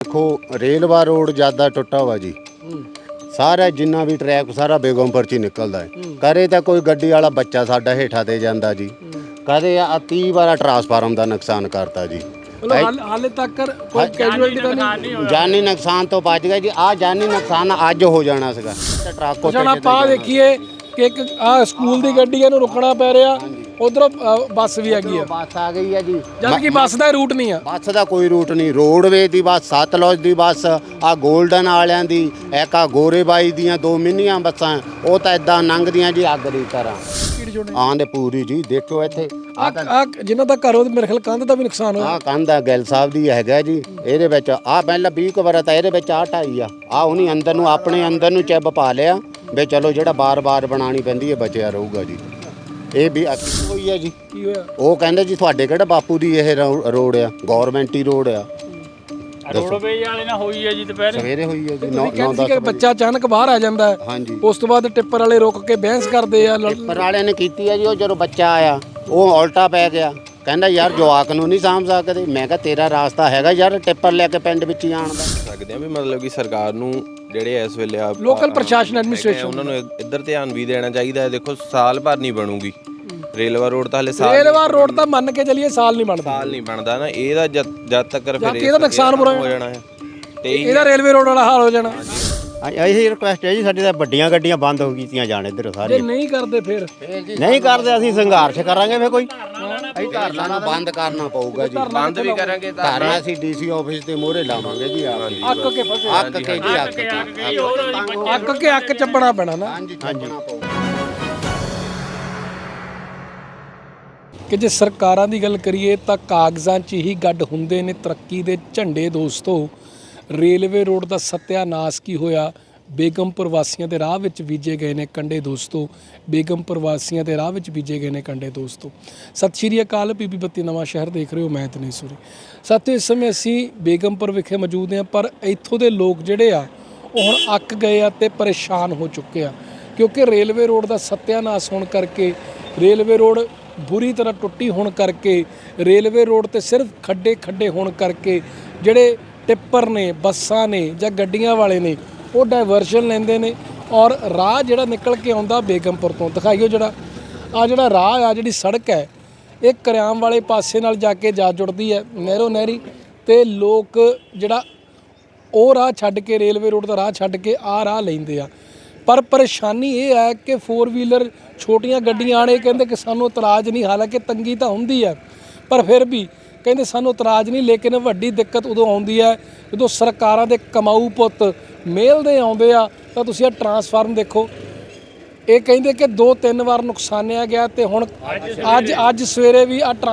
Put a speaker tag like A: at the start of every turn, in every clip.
A: देखो रेलवा रोड ज़्यादा टुटा हुआ जी। सारा जिन्ना भी ट्रैक सारा बेगमपुर च ही निकलता है। करे तो कोई गड्डी वाला बच्चा साडा हेठा दे जाता जी, कदे 30 बार ट्रांसफार्म का नुकसान करता जी।
B: हाले तक कोई कैजुअलिटी तो नहीं,
A: जानी नुकसान तो बच गया जी। आ जानी नुकसान अज हो जाना सीगा। ट्रक
B: ਹੁਣ ਆਪਾਂ ਦੇਖੀਏ ਕਿ ਇੱਕ ਆ ਸਕੂਲ ਦੀ ਗੱਡੀ ਇਹਨੂੰ ਰੁਕਣਾ ਪੈ ਰਿਹਾ, ਉਧਰੋਂ ਬੱਸ ਵੀ ਹੈਗੀ ਆ,
A: ਬੱਸ ਆ ਗਈ ਹੈ ਜੀ।
B: ਜਦ ਕਿ ਬੱਸ ਦਾ ਰੂਟ ਨਹੀਂ ਆ।
A: ਬੱਸ ਦਾ ਕੋਈ ਰੂਟ ਨਹੀਂ। ਰੋਡਵੇ ਦੀ ਬੱਸ, ਸਤਲੁਜ ਦੀ ਬੱਸ, ਆ ਗੋਲਡਨ ਵਾਲਿਆਂ ਦੀ, ਇੱਕ ਆ ਗੋਰੇਬਾਈ ਦੀਆਂ 2 ਮਿੰਨੀਆਂ ਬੱਸਾਂ, ਉਹ ਤਾਂ ਇਦਾਂ ਲੰਘਦੀਆਂ ਜੀ ਅੱਗ ਦੀ ਤਰ੍ਹਾਂ। ਆਂਦੇ ਪੂਰੀ ਜੀ। ਦੇਖੋ ਇੱਥੇ
B: ਆ ਜਿਨ੍ਹਾਂ ਦਾ ਘਰ, ਉਹ ਮੇਰੇ ਖਿਆਲ ਕੰਧ ਦਾ ਵੀ ਨੁਕਸਾਨ ਹੋਇਆ।
A: ਆ ਕੰਧ ਆ ਗਿੱਲ ਸਾਹਿਬ ਦੀ ਹੈਗਾ ਜੀ। ਇਹਦੇ ਵਿੱਚ ਆ ਪਹਿਲਾਂ 20 ਕੁ ਵਾਰ ਤਾਂ ਇਹਦੇ ਵਿੱਚ ਆ ਢਾਈ ਆ ਉਹਨੀ ਅੰਦਰ ਨੂੰ ਆਪਣੇ ਅੰਦਰ ਨੂੰ ਚਿੱਬ ਪਾ ਲਿਆ ਵੀ ਚਲੋ ਜਿਹੜਾ ਬਾਰ-ਬਾਰ ਬਣਾਉਣੀ ਪੈਂਦੀ ਹੈ ਬਚਿਆ ਰਹੂਗਾ ਜੀ। ਇਹ ਵੀ ਹੋਈ ਹੈ ਜੀ।
B: ਕੀ ਹੋਇਆ?
A: ਉਹ ਕਹਿੰਦੇ ਜੀ ਤੁਹਾਡੇ ਕਿਹੜਾ ਬਾਪੂ ਦੀ ਇਹ ਰੋਡ ਆ, ਗੌਰਮੈਂਟ ਹੀ ਰੋਡ ਆ।
C: ਰੋਡਵੇਜ ਵਾਲੇ ਨਾਲ ਹੋਈ ਹੈ ਜੀ, ਦੁਪਹਿਰ
A: ਸਵੇਰੇ ਹੋਈ ਹੈ ਜੀ।
B: ਕਹਿੰਦੇ ਸੀ ਕਿ ਬੱਚਾ ਅਚਾਨਕ ਬਾਹਰ ਆ ਜਾਂਦਾ ਹੈ,
A: ਹਾਂਜੀ।
B: ਉਸ ਤੋਂ ਬਾਅਦ ਟਿੱਪਰ ਵਾਲੇ ਰੁਕ ਕੇ ਬਹਿਸ ਕਰਦੇ ਆ।
A: ਟਿੱਪਰ ਵਾਲਿਆਂ ਨੇ ਕੀਤੀ ਹੈ ਜੀ। ਉਹ ਜਦੋਂ ਬੱਚਾ ਆਇਆ ਉਹ ਉਲਟਾ ਪੈ ਗਿਆ, ਕਹਿੰਦਾ ਯਾਰ ਜਵਾਕ ਨੂੰ ਨਹੀਂ ਸਾਂਭ ਸਕਦੇ। ਮੈਂ ਕਿਹਾ ਤੇਰਾ ਰਾਸਤਾ ਹੈਗਾ ਯਾਰ ਟਿੱਪਰ ਲੈ ਕੇ ਪਿੰਡ ਵਿੱਚ ਹੀ ਆਉਣ ਦਾ।
D: ਸਕਦੇ ਆ ਵੀ ਮਤਲਬ ਕਿ ਸਰਕਾਰ ਨੂੰ ਜਿਹੜੇ ਇਸ ਵੇਲੇ ਆ
B: ਲੋਕਲ ਪ੍ਰਸ਼ਾਸਨ ਐਡਮਿਨਿਸਟ੍ਰੇਸ਼ਨ,
D: ਉਹਨਾਂ ਨੂੰ ਇੱਧਰ ਧਿਆਨ ਵੀ ਦੇਣਾ ਚਾਹੀਦਾ ਹੈ। ਦੇਖੋ ਸਾਲ ਭਰ ਨਹੀਂ ਬਣੂਗੀ ਰੇਲਵਾ ਰੋਡ, ਤਾਂ ਹਲੇ ਸਾਲ
B: ਰੇਲਵਾ ਰੋਡ ਤਾਂ ਮੰਨ ਕੇ ਚੱਲੀਏ ਸਾਲ ਨਹੀਂ ਬਣਦਾ।
D: ਸਾਲ ਨਹੀਂ ਬਣਦਾ ਨਾ ਇਹਦਾ ਜਦ ਤੱਕ ਫਿਰ
B: ਇਹਦਾ ਨੁਕਸਾਨ ਬੁਰਾ
D: ਹੋ ਜਾਣਾ ਹੈ ਤੇ
B: ਇਹਦਾ ਰੇਲਵੇ ਰੋਡ ਵਾਲਾ ਹਾਲ ਹੋ ਜਾਣਾ।
E: ਇਹੀ ਰਿਕੁਐਸਟ ਹੈ ਜੀ ਸਾਡੀ, ਤਾਂ ਵੱਡੀਆਂ ਗੱਡੀਆਂ ਬੰਦ ਹੋ ਗਈਆਂ ਜਾਣ ਇੱਧਰ
B: ਜੇ
E: ਸਾਰੀਆਂ।
B: ਨਹੀਂ ਕਰਦੇ ਫਿਰ
E: ਨਹੀਂ ਕਰਦੇ ਅਸੀਂ ਸੰਘਰਸ਼ ਕਰਾਂਗੇ। ਫਿਰ ਕੋਈ
A: ਧਰਨਾ ਨੂੰ ਬੰਦ ਕਰਨਾ ਪਊਗਾ ਜੀ।
D: ਬੰਦ ਵੀ ਕਰਾਂਗੇ ਤਾਂ
A: ਧਰਨਾ ਅਸੀਂ ਡੀਸੀ ਆਫਿਸ ਦੇ ਮੂਹਰੇ ਲਾਵਾਂਗੇ ਜੀ।
B: ਅੱਕ ਕੇ ਫਸੇ,
A: ਅੱਕ ਕੇ ਜੀ
B: ਅੱਕ ਕੇ ਅੱਕ ਚੱਪਣਾ ਪੈਣਾ ਨਾ।
A: ਹਾਂਜੀ ਚੱਲਣਾ ਪਊਗਾ।
B: ਕਿ ਜੇ ਸਰਕਾਰਾਂ ਦੀ ਗੱਲ ਕਰੀਏ ਤਾਂ ਕਾਗਜ਼ਾਂ 'ਚ ਹੀ ਗੱਡ ਹੁੰਦੇ ਨੇ ਤਰੱਕੀ ਦੇ ਝੰਡੇ। ਦੋਸਤੋ, ਰੇਲਵੇ ਰੋਡ ਦਾ ਸੱਤਿਆਨਾਸ਼ ਕੀ ਹੋਇਆ? ਬੇਗਮਪੁਰ ਵਾਸੀਆਂ ਦੇ ਰਾਹ ਵਿੱਚ ਬੀਜੇ ਗਏ ਨੇ ਕੰਡੇ। ਦੋਸਤੋ, ਬੇਗਮਪੁਰ ਵਾਸੀਆਂ ਦੇ ਰਾਹ ਵਿੱਚ ਬੀਜੇ ਗਏ ਨੇ ਕੰਡੇ। ਦੋਸਤੋ, ਸਤਿ ਸ਼੍ਰੀ ਅਕਾਲ। ਪੀਪੀ ਬੱਤੀ ਨਵਾਂ ਸ਼ਹਿਰ ਦੇਖ ਰਹੇ ਹੋ, ਮੈਂ ਤਨੇਸੂਰੀ। ਸਾਥੀਓ, ਇਸ ਸਮੇਂ ਅਸੀਂ ਬੇਗਮਪੁਰ ਵਿਖੇ ਮੌਜੂਦ ਹਾਂ, ਪਰ ਇੱਥੋਂ ਦੇ ਲੋਕ ਜਿਹੜੇ ਆ ਉਹ ਹੁਣ ਅੱਕ ਗਏ ਆ ਤੇ ਪਰੇਸ਼ਾਨ ਹੋ ਚੁੱਕੇ ਆ, ਕਿਉਂਕਿ ਰੇਲਵੇ ਰੋਡ ਦਾ ਸੱਤਿਆਨਾਸ਼ ਹੋਣ ਕਰਕੇ, ਰੇਲਵੇ ਰੋਡ ਬੁਰੀ ਤਰ੍ਹਾਂ ਟੁੱਟੀ ਹੋਣ ਕਰਕੇ, ਰੇਲਵੇ ਰੋਡ ਤੇ ਸਿਰਫ ਖੱਡੇ ਹੋਣ ਕਰਕੇ ਜਿਹੜੇ ਟਿੱਪਰ ਨੇ, ਬੱਸਾਂ ਨੇ ਜਾਂ ਗੱਡੀਆਂ ਵਾਲੇ ਨੇ, ਉਹ ਡਾਇਵਰਸ਼ਨ ਲੈਂਦੇ ਨੇ ਔਰ ਰਾਹ ਜਿਹੜਾ ਨਿਕਲ ਕੇ ਆਉਂਦਾ ਬੇਗਮਪੁਰ ਤੋਂ। ਦਿਖਾਈਓ ਜਿਹੜਾ ਰਾਹ ਆ, ਜਿਹੜੀ ਸੜਕ ਹੈ, ਇਹ ਕਰਿਆਮ ਵਾਲੇ ਪਾਸੇ ਨਾਲ ਜਾ ਕੇ ਜਾ ਜੁੜਦੀ ਹੈ, ਨਹਿਰੀ, ਤੇ ਲੋਕ ਜਿਹੜਾ ਉਹ ਰਾਹ ਛੱਡ ਕੇ, ਰੇਲਵੇ ਰੋਡ ਦਾ ਰਾਹ ਛੱਡ ਕੇ ਆਹ ਰਾਹ ਲੈਂਦੇ ਆ। ਪਰ ਪਰੇਸ਼ਾਨੀ ਇਹ ਹੈ ਕਿ 4 ਵੀਲਰ ਛੋਟੀਆਂ ਗੱਡੀਆਂ ਵਾਲੇ ਕਹਿੰਦੇ ਕਿ ਸਾਨੂੰ ਇਤਰਾਜ਼ ਨਹੀਂ, ਹਾਲਾਂਕਿ ਤੰਗੀ ਤਾਂ ਹੁੰਦੀ ਹੈ, ਪਰ ਫਿਰ ਵੀ ਕਹਿੰਦੇ ਸਾਨੂੰ ਇਤਰਾਜ਼ ਨਹੀਂ। ਲੇਕਿਨ ਵੱਡੀ ਦਿੱਕਤ ਉਦੋਂ ਆਉਂਦੀ ਹੈ ਜਦੋਂ ਸਰਕਾਰਾਂ ਦੇ ਕਮਾਊ ਪੁੱਤ ਮੇਲ ਦੇ ਆਉਂਦੇ ਆ। ਤਾਂ ਤੁਸੀਂ ਇਹ ਟਰਾਂਸਫਾਰਮ ਦੇਖੋ, ਇਹ ਕਹਿੰਦੇ ਕਿ 2-3 ਵਾਰ ਨੁਕਸਾਨਿਆ ਗਿਆ, ਤੇ ਹੁਣ ਅੱਜ ਸਵੇਰੇ ਵੀ ਆ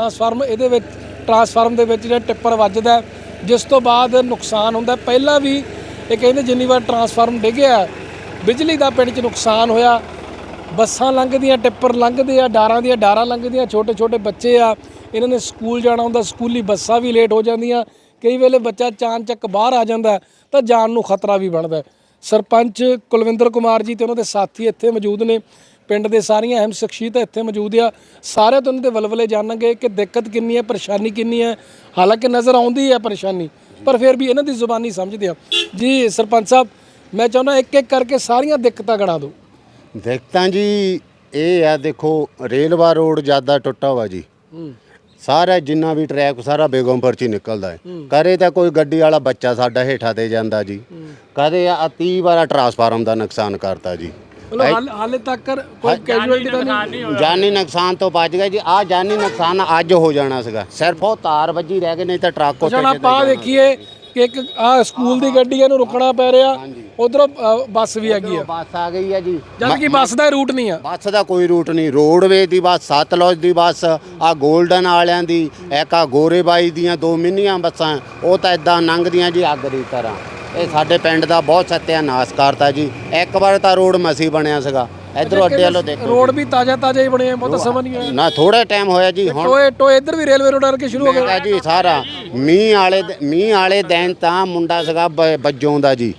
B: ਟਰਾਂਸਫਾਰਮ ਦੇ ਵਿੱਚ ਜਿਹੜਾ ਟਿੱਪਰ ਵੱਜਦਾ, ਜਿਸ ਤੋਂ ਬਾਅਦ ਨੁਕਸਾਨ ਹੁੰਦਾ। ਪਹਿਲਾਂ ਵੀ ਇਹ ਕਹਿੰਦੇ ਜਿੰਨੀ ਵਾਰ ਟਰਾਂਸਫਾਰਮ ਡਿੱਗਿਆ, ਬਿਜਲੀ ਦਾ ਪਿੰਡ 'ਚ ਨੁਕਸਾਨ ਹੋਇਆ। ਬੱਸਾਂ ਲੰਘਦੀਆਂ, ਟਿੱਪਰ ਲੰਘਦੇ ਆ, ਡਾਰਾਂ ਲੰਘਦੀਆਂ, ਛੋਟੇ ਬੱਚੇ ਆ, ਇਹਨਾਂ ਨੇ ਸਕੂਲ ਜਾਣਾ ਹੁੰਦਾ, ਸਕੂਲੀ ਬੱਸਾਂ ਵੀ ਲੇਟ ਹੋ ਜਾਂਦੀਆਂ। ਕਈ ਵੇਲੇ ਬੱਚਾ ਚਾਨਚੱਕ ਬਾਹਰ ਆ ਜਾਂਦਾ ਤਾਂ ਜਾਨ ਨੂੰ ਖਤਰਾ ਵੀ ਬਣਦਾ। ਸਰਪੰਚ ਕੁਲਵਿੰਦਰ ਕੁਮਾਰ ਜੀ ਤੇ ਉਹਨਾਂ ਦੇ ਸਾਥੀ ਇੱਥੇ ਮੌਜੂਦ ਨੇ, ਪਿੰਡ ਦੇ ਸਾਰੀਆਂ ਅਹਿਮ ਸ਼ਖਸੀਅਤਾਂ ਇੱਥੇ ਮੌਜੂਦ ਆ। ਸਾਰਿਆਂ ਤੋਂ ਉਹਨਾਂ ਦੇ ਵਲਵਲੇ ਜਾਣਾਂਗੇ ਕਿ ਦਿੱਕਤ ਕਿੰਨੀ ਹੈ, ਪਰੇਸ਼ਾਨੀ ਕਿੰਨੀ ਹੈ। ਹਾਲਾਂਕਿ ਨਜ਼ਰ ਆਉਂਦੀ ਹੈ ਪਰੇਸ਼ਾਨੀ, ਪਰ ਫਿਰ ਵੀ ਇਹਨਾਂ ਦੀ ਜ਼ੁਬਾਨੀ ਸਮਝਦੇ ਆ ਜੀ। ਸਰਪੰਚ ਸਾਹਿਬ, ਮੈਂ ਚਾਹੁੰਦਾ ਇੱਕ ਕਰਕੇ ਸਾਰੀਆਂ ਦਿੱਕਤਾਂ ਗਣਾ ਦਿਓ।
A: ਦਿੱਕਤਾਂ ਜੀ ਇਹ ਆ, ਦੇਖੋ ਰੇਲਵਾ ਰੋਡ ਜ਼ਿਆਦਾ ਟੁੱਟਾ ਹੋਇਆ ਜੀ। ਸਾਰਾ ਜਿੰਨਾ ਵੀ ਟਰੈਕ ਸਾਰਾ ਬੇਗਮਪੁਰ ਚ ਹੀ ਨਿਕਲਦਾ ਹੈ। ਕਰੇ ਤਾਂ ਕੋਈ ਗੱਡੀ ਵਾਲਾ ਬੱਚਾ ਸਾਡਾ ਹੇਠਾ ਦੇ ਜਾਂਦਾ ਜੀ, ਕਦੇ 30 ਵਾਰ ਟਰਾਂਸਫਾਰਮ ਦਾ ਨੁਕਸਾਨ ਕਰਤਾ ਜੀ।
B: ਹਾਲੇ ਤੱਕ ਕੋਈ ਕੈਜੂਅਲਿਟੀ ਤਾਂ ਨਹੀਂ,
A: ਜਾਨੀ ਨੁਕਸਾਨ ਤੋਂ ਬਚ ਗਿਆ ਜੀ। ਆ ਜਾਨੀ ਨੁਕਸਾਨ ਅੱਜ ਹੋ ਜਾਣਾ ਸੀਗਾ। ਸਿਰਫ ਉਹ ਤਾਰ ਵੱਜੀ ਰਹਿ ਗਏ, ਨਹੀਂ ਤਾਂ ਟਰੱਕ ਉੱਤੇ
B: ਆਪਾਂ ਦੇਖੀਏ ਕਿ ਇੱਕ ਆ ਸਕੂਲ ਦੀ ਗੱਡੀ ਇਹਨੂੰ ਰੁਕਣਾ ਪੈ ਰਿਹਾ, ਉਧਰੋਂ ਬੱਸ ਵੀ ਹੈਗੀ ਆ।
A: ਬੱਸ ਆ ਗਈ ਹੈ ਜੀ।
B: ਜਦ ਕਿ ਬੱਸ ਦਾ ਰੂਟ ਨਹੀਂ ਆ।
A: ਬੱਸ ਦਾ ਕੋਈ ਰੂਟ ਨਹੀਂ। ਰੋਡਵੇ ਦੀ ਬੱਸ, ਸਤਲੁਜ ਦੀ ਬੱਸ, ਆ ਗੋਲਡਨ ਵਾਲਿਆਂ ਦੀ, ਇੱਕ ਆ ਗੋਰੇਬਾਈ ਦੀਆਂ 2 ਮਿੰਨੀਆਂ ਬੱਸਾਂ, ਉਹ ਤਾਂ ਇਦਾਂ ਲੰਘਦੀਆਂ ਜੀ ਅੱਗ ਦੀ ਤਰ੍ਹਾਂ। ਇਹ ਸਾਡੇ ਪਿੰਡ ਦਾ ਬਹੁਤ ਸੱਤਿਆਨਾਸ਼ ਕਰਤਾ ਜੀ। ਇੱਕ ਵਾਰ ਤਾਂ ਰੋਡ ਮਸੀ ਬਣਿਆ ਸੀਗਾ, ਇਧਰੋਂ ਅੱਡੇ ਵੱਲੋਂ ਦੇਖੋ
B: ਰੋਡ ਵੀ ਤਾਜ਼ਾ ਹੀ ਬਣੇ ਆ, ਬਹੁਤ ਸਮਾਂ ਨਹੀਂ ਹੋਇਆ
A: ਨਾ, ਥੋੜਾ ਟਾਈਮ ਹੋਇਆ ਜੀ। ਹੁਣ
B: ਟੋਏ ਇੱਧਰ ਵੀ ਰੇਲਵੇ ਰੋਡ ਕਰਕੇ ਸ਼ੁਰੂ ਹੋ ਗਿਆ
A: ਜੀ। ਸਾਰਾ ਮੀਂਹ ਵਾਲੇ ਦਿਨ ਤਾਂ ਮੁੰਡਾ ਸੀਗਾ ਬੱਜੋਂ ਦਾ ਜੀ,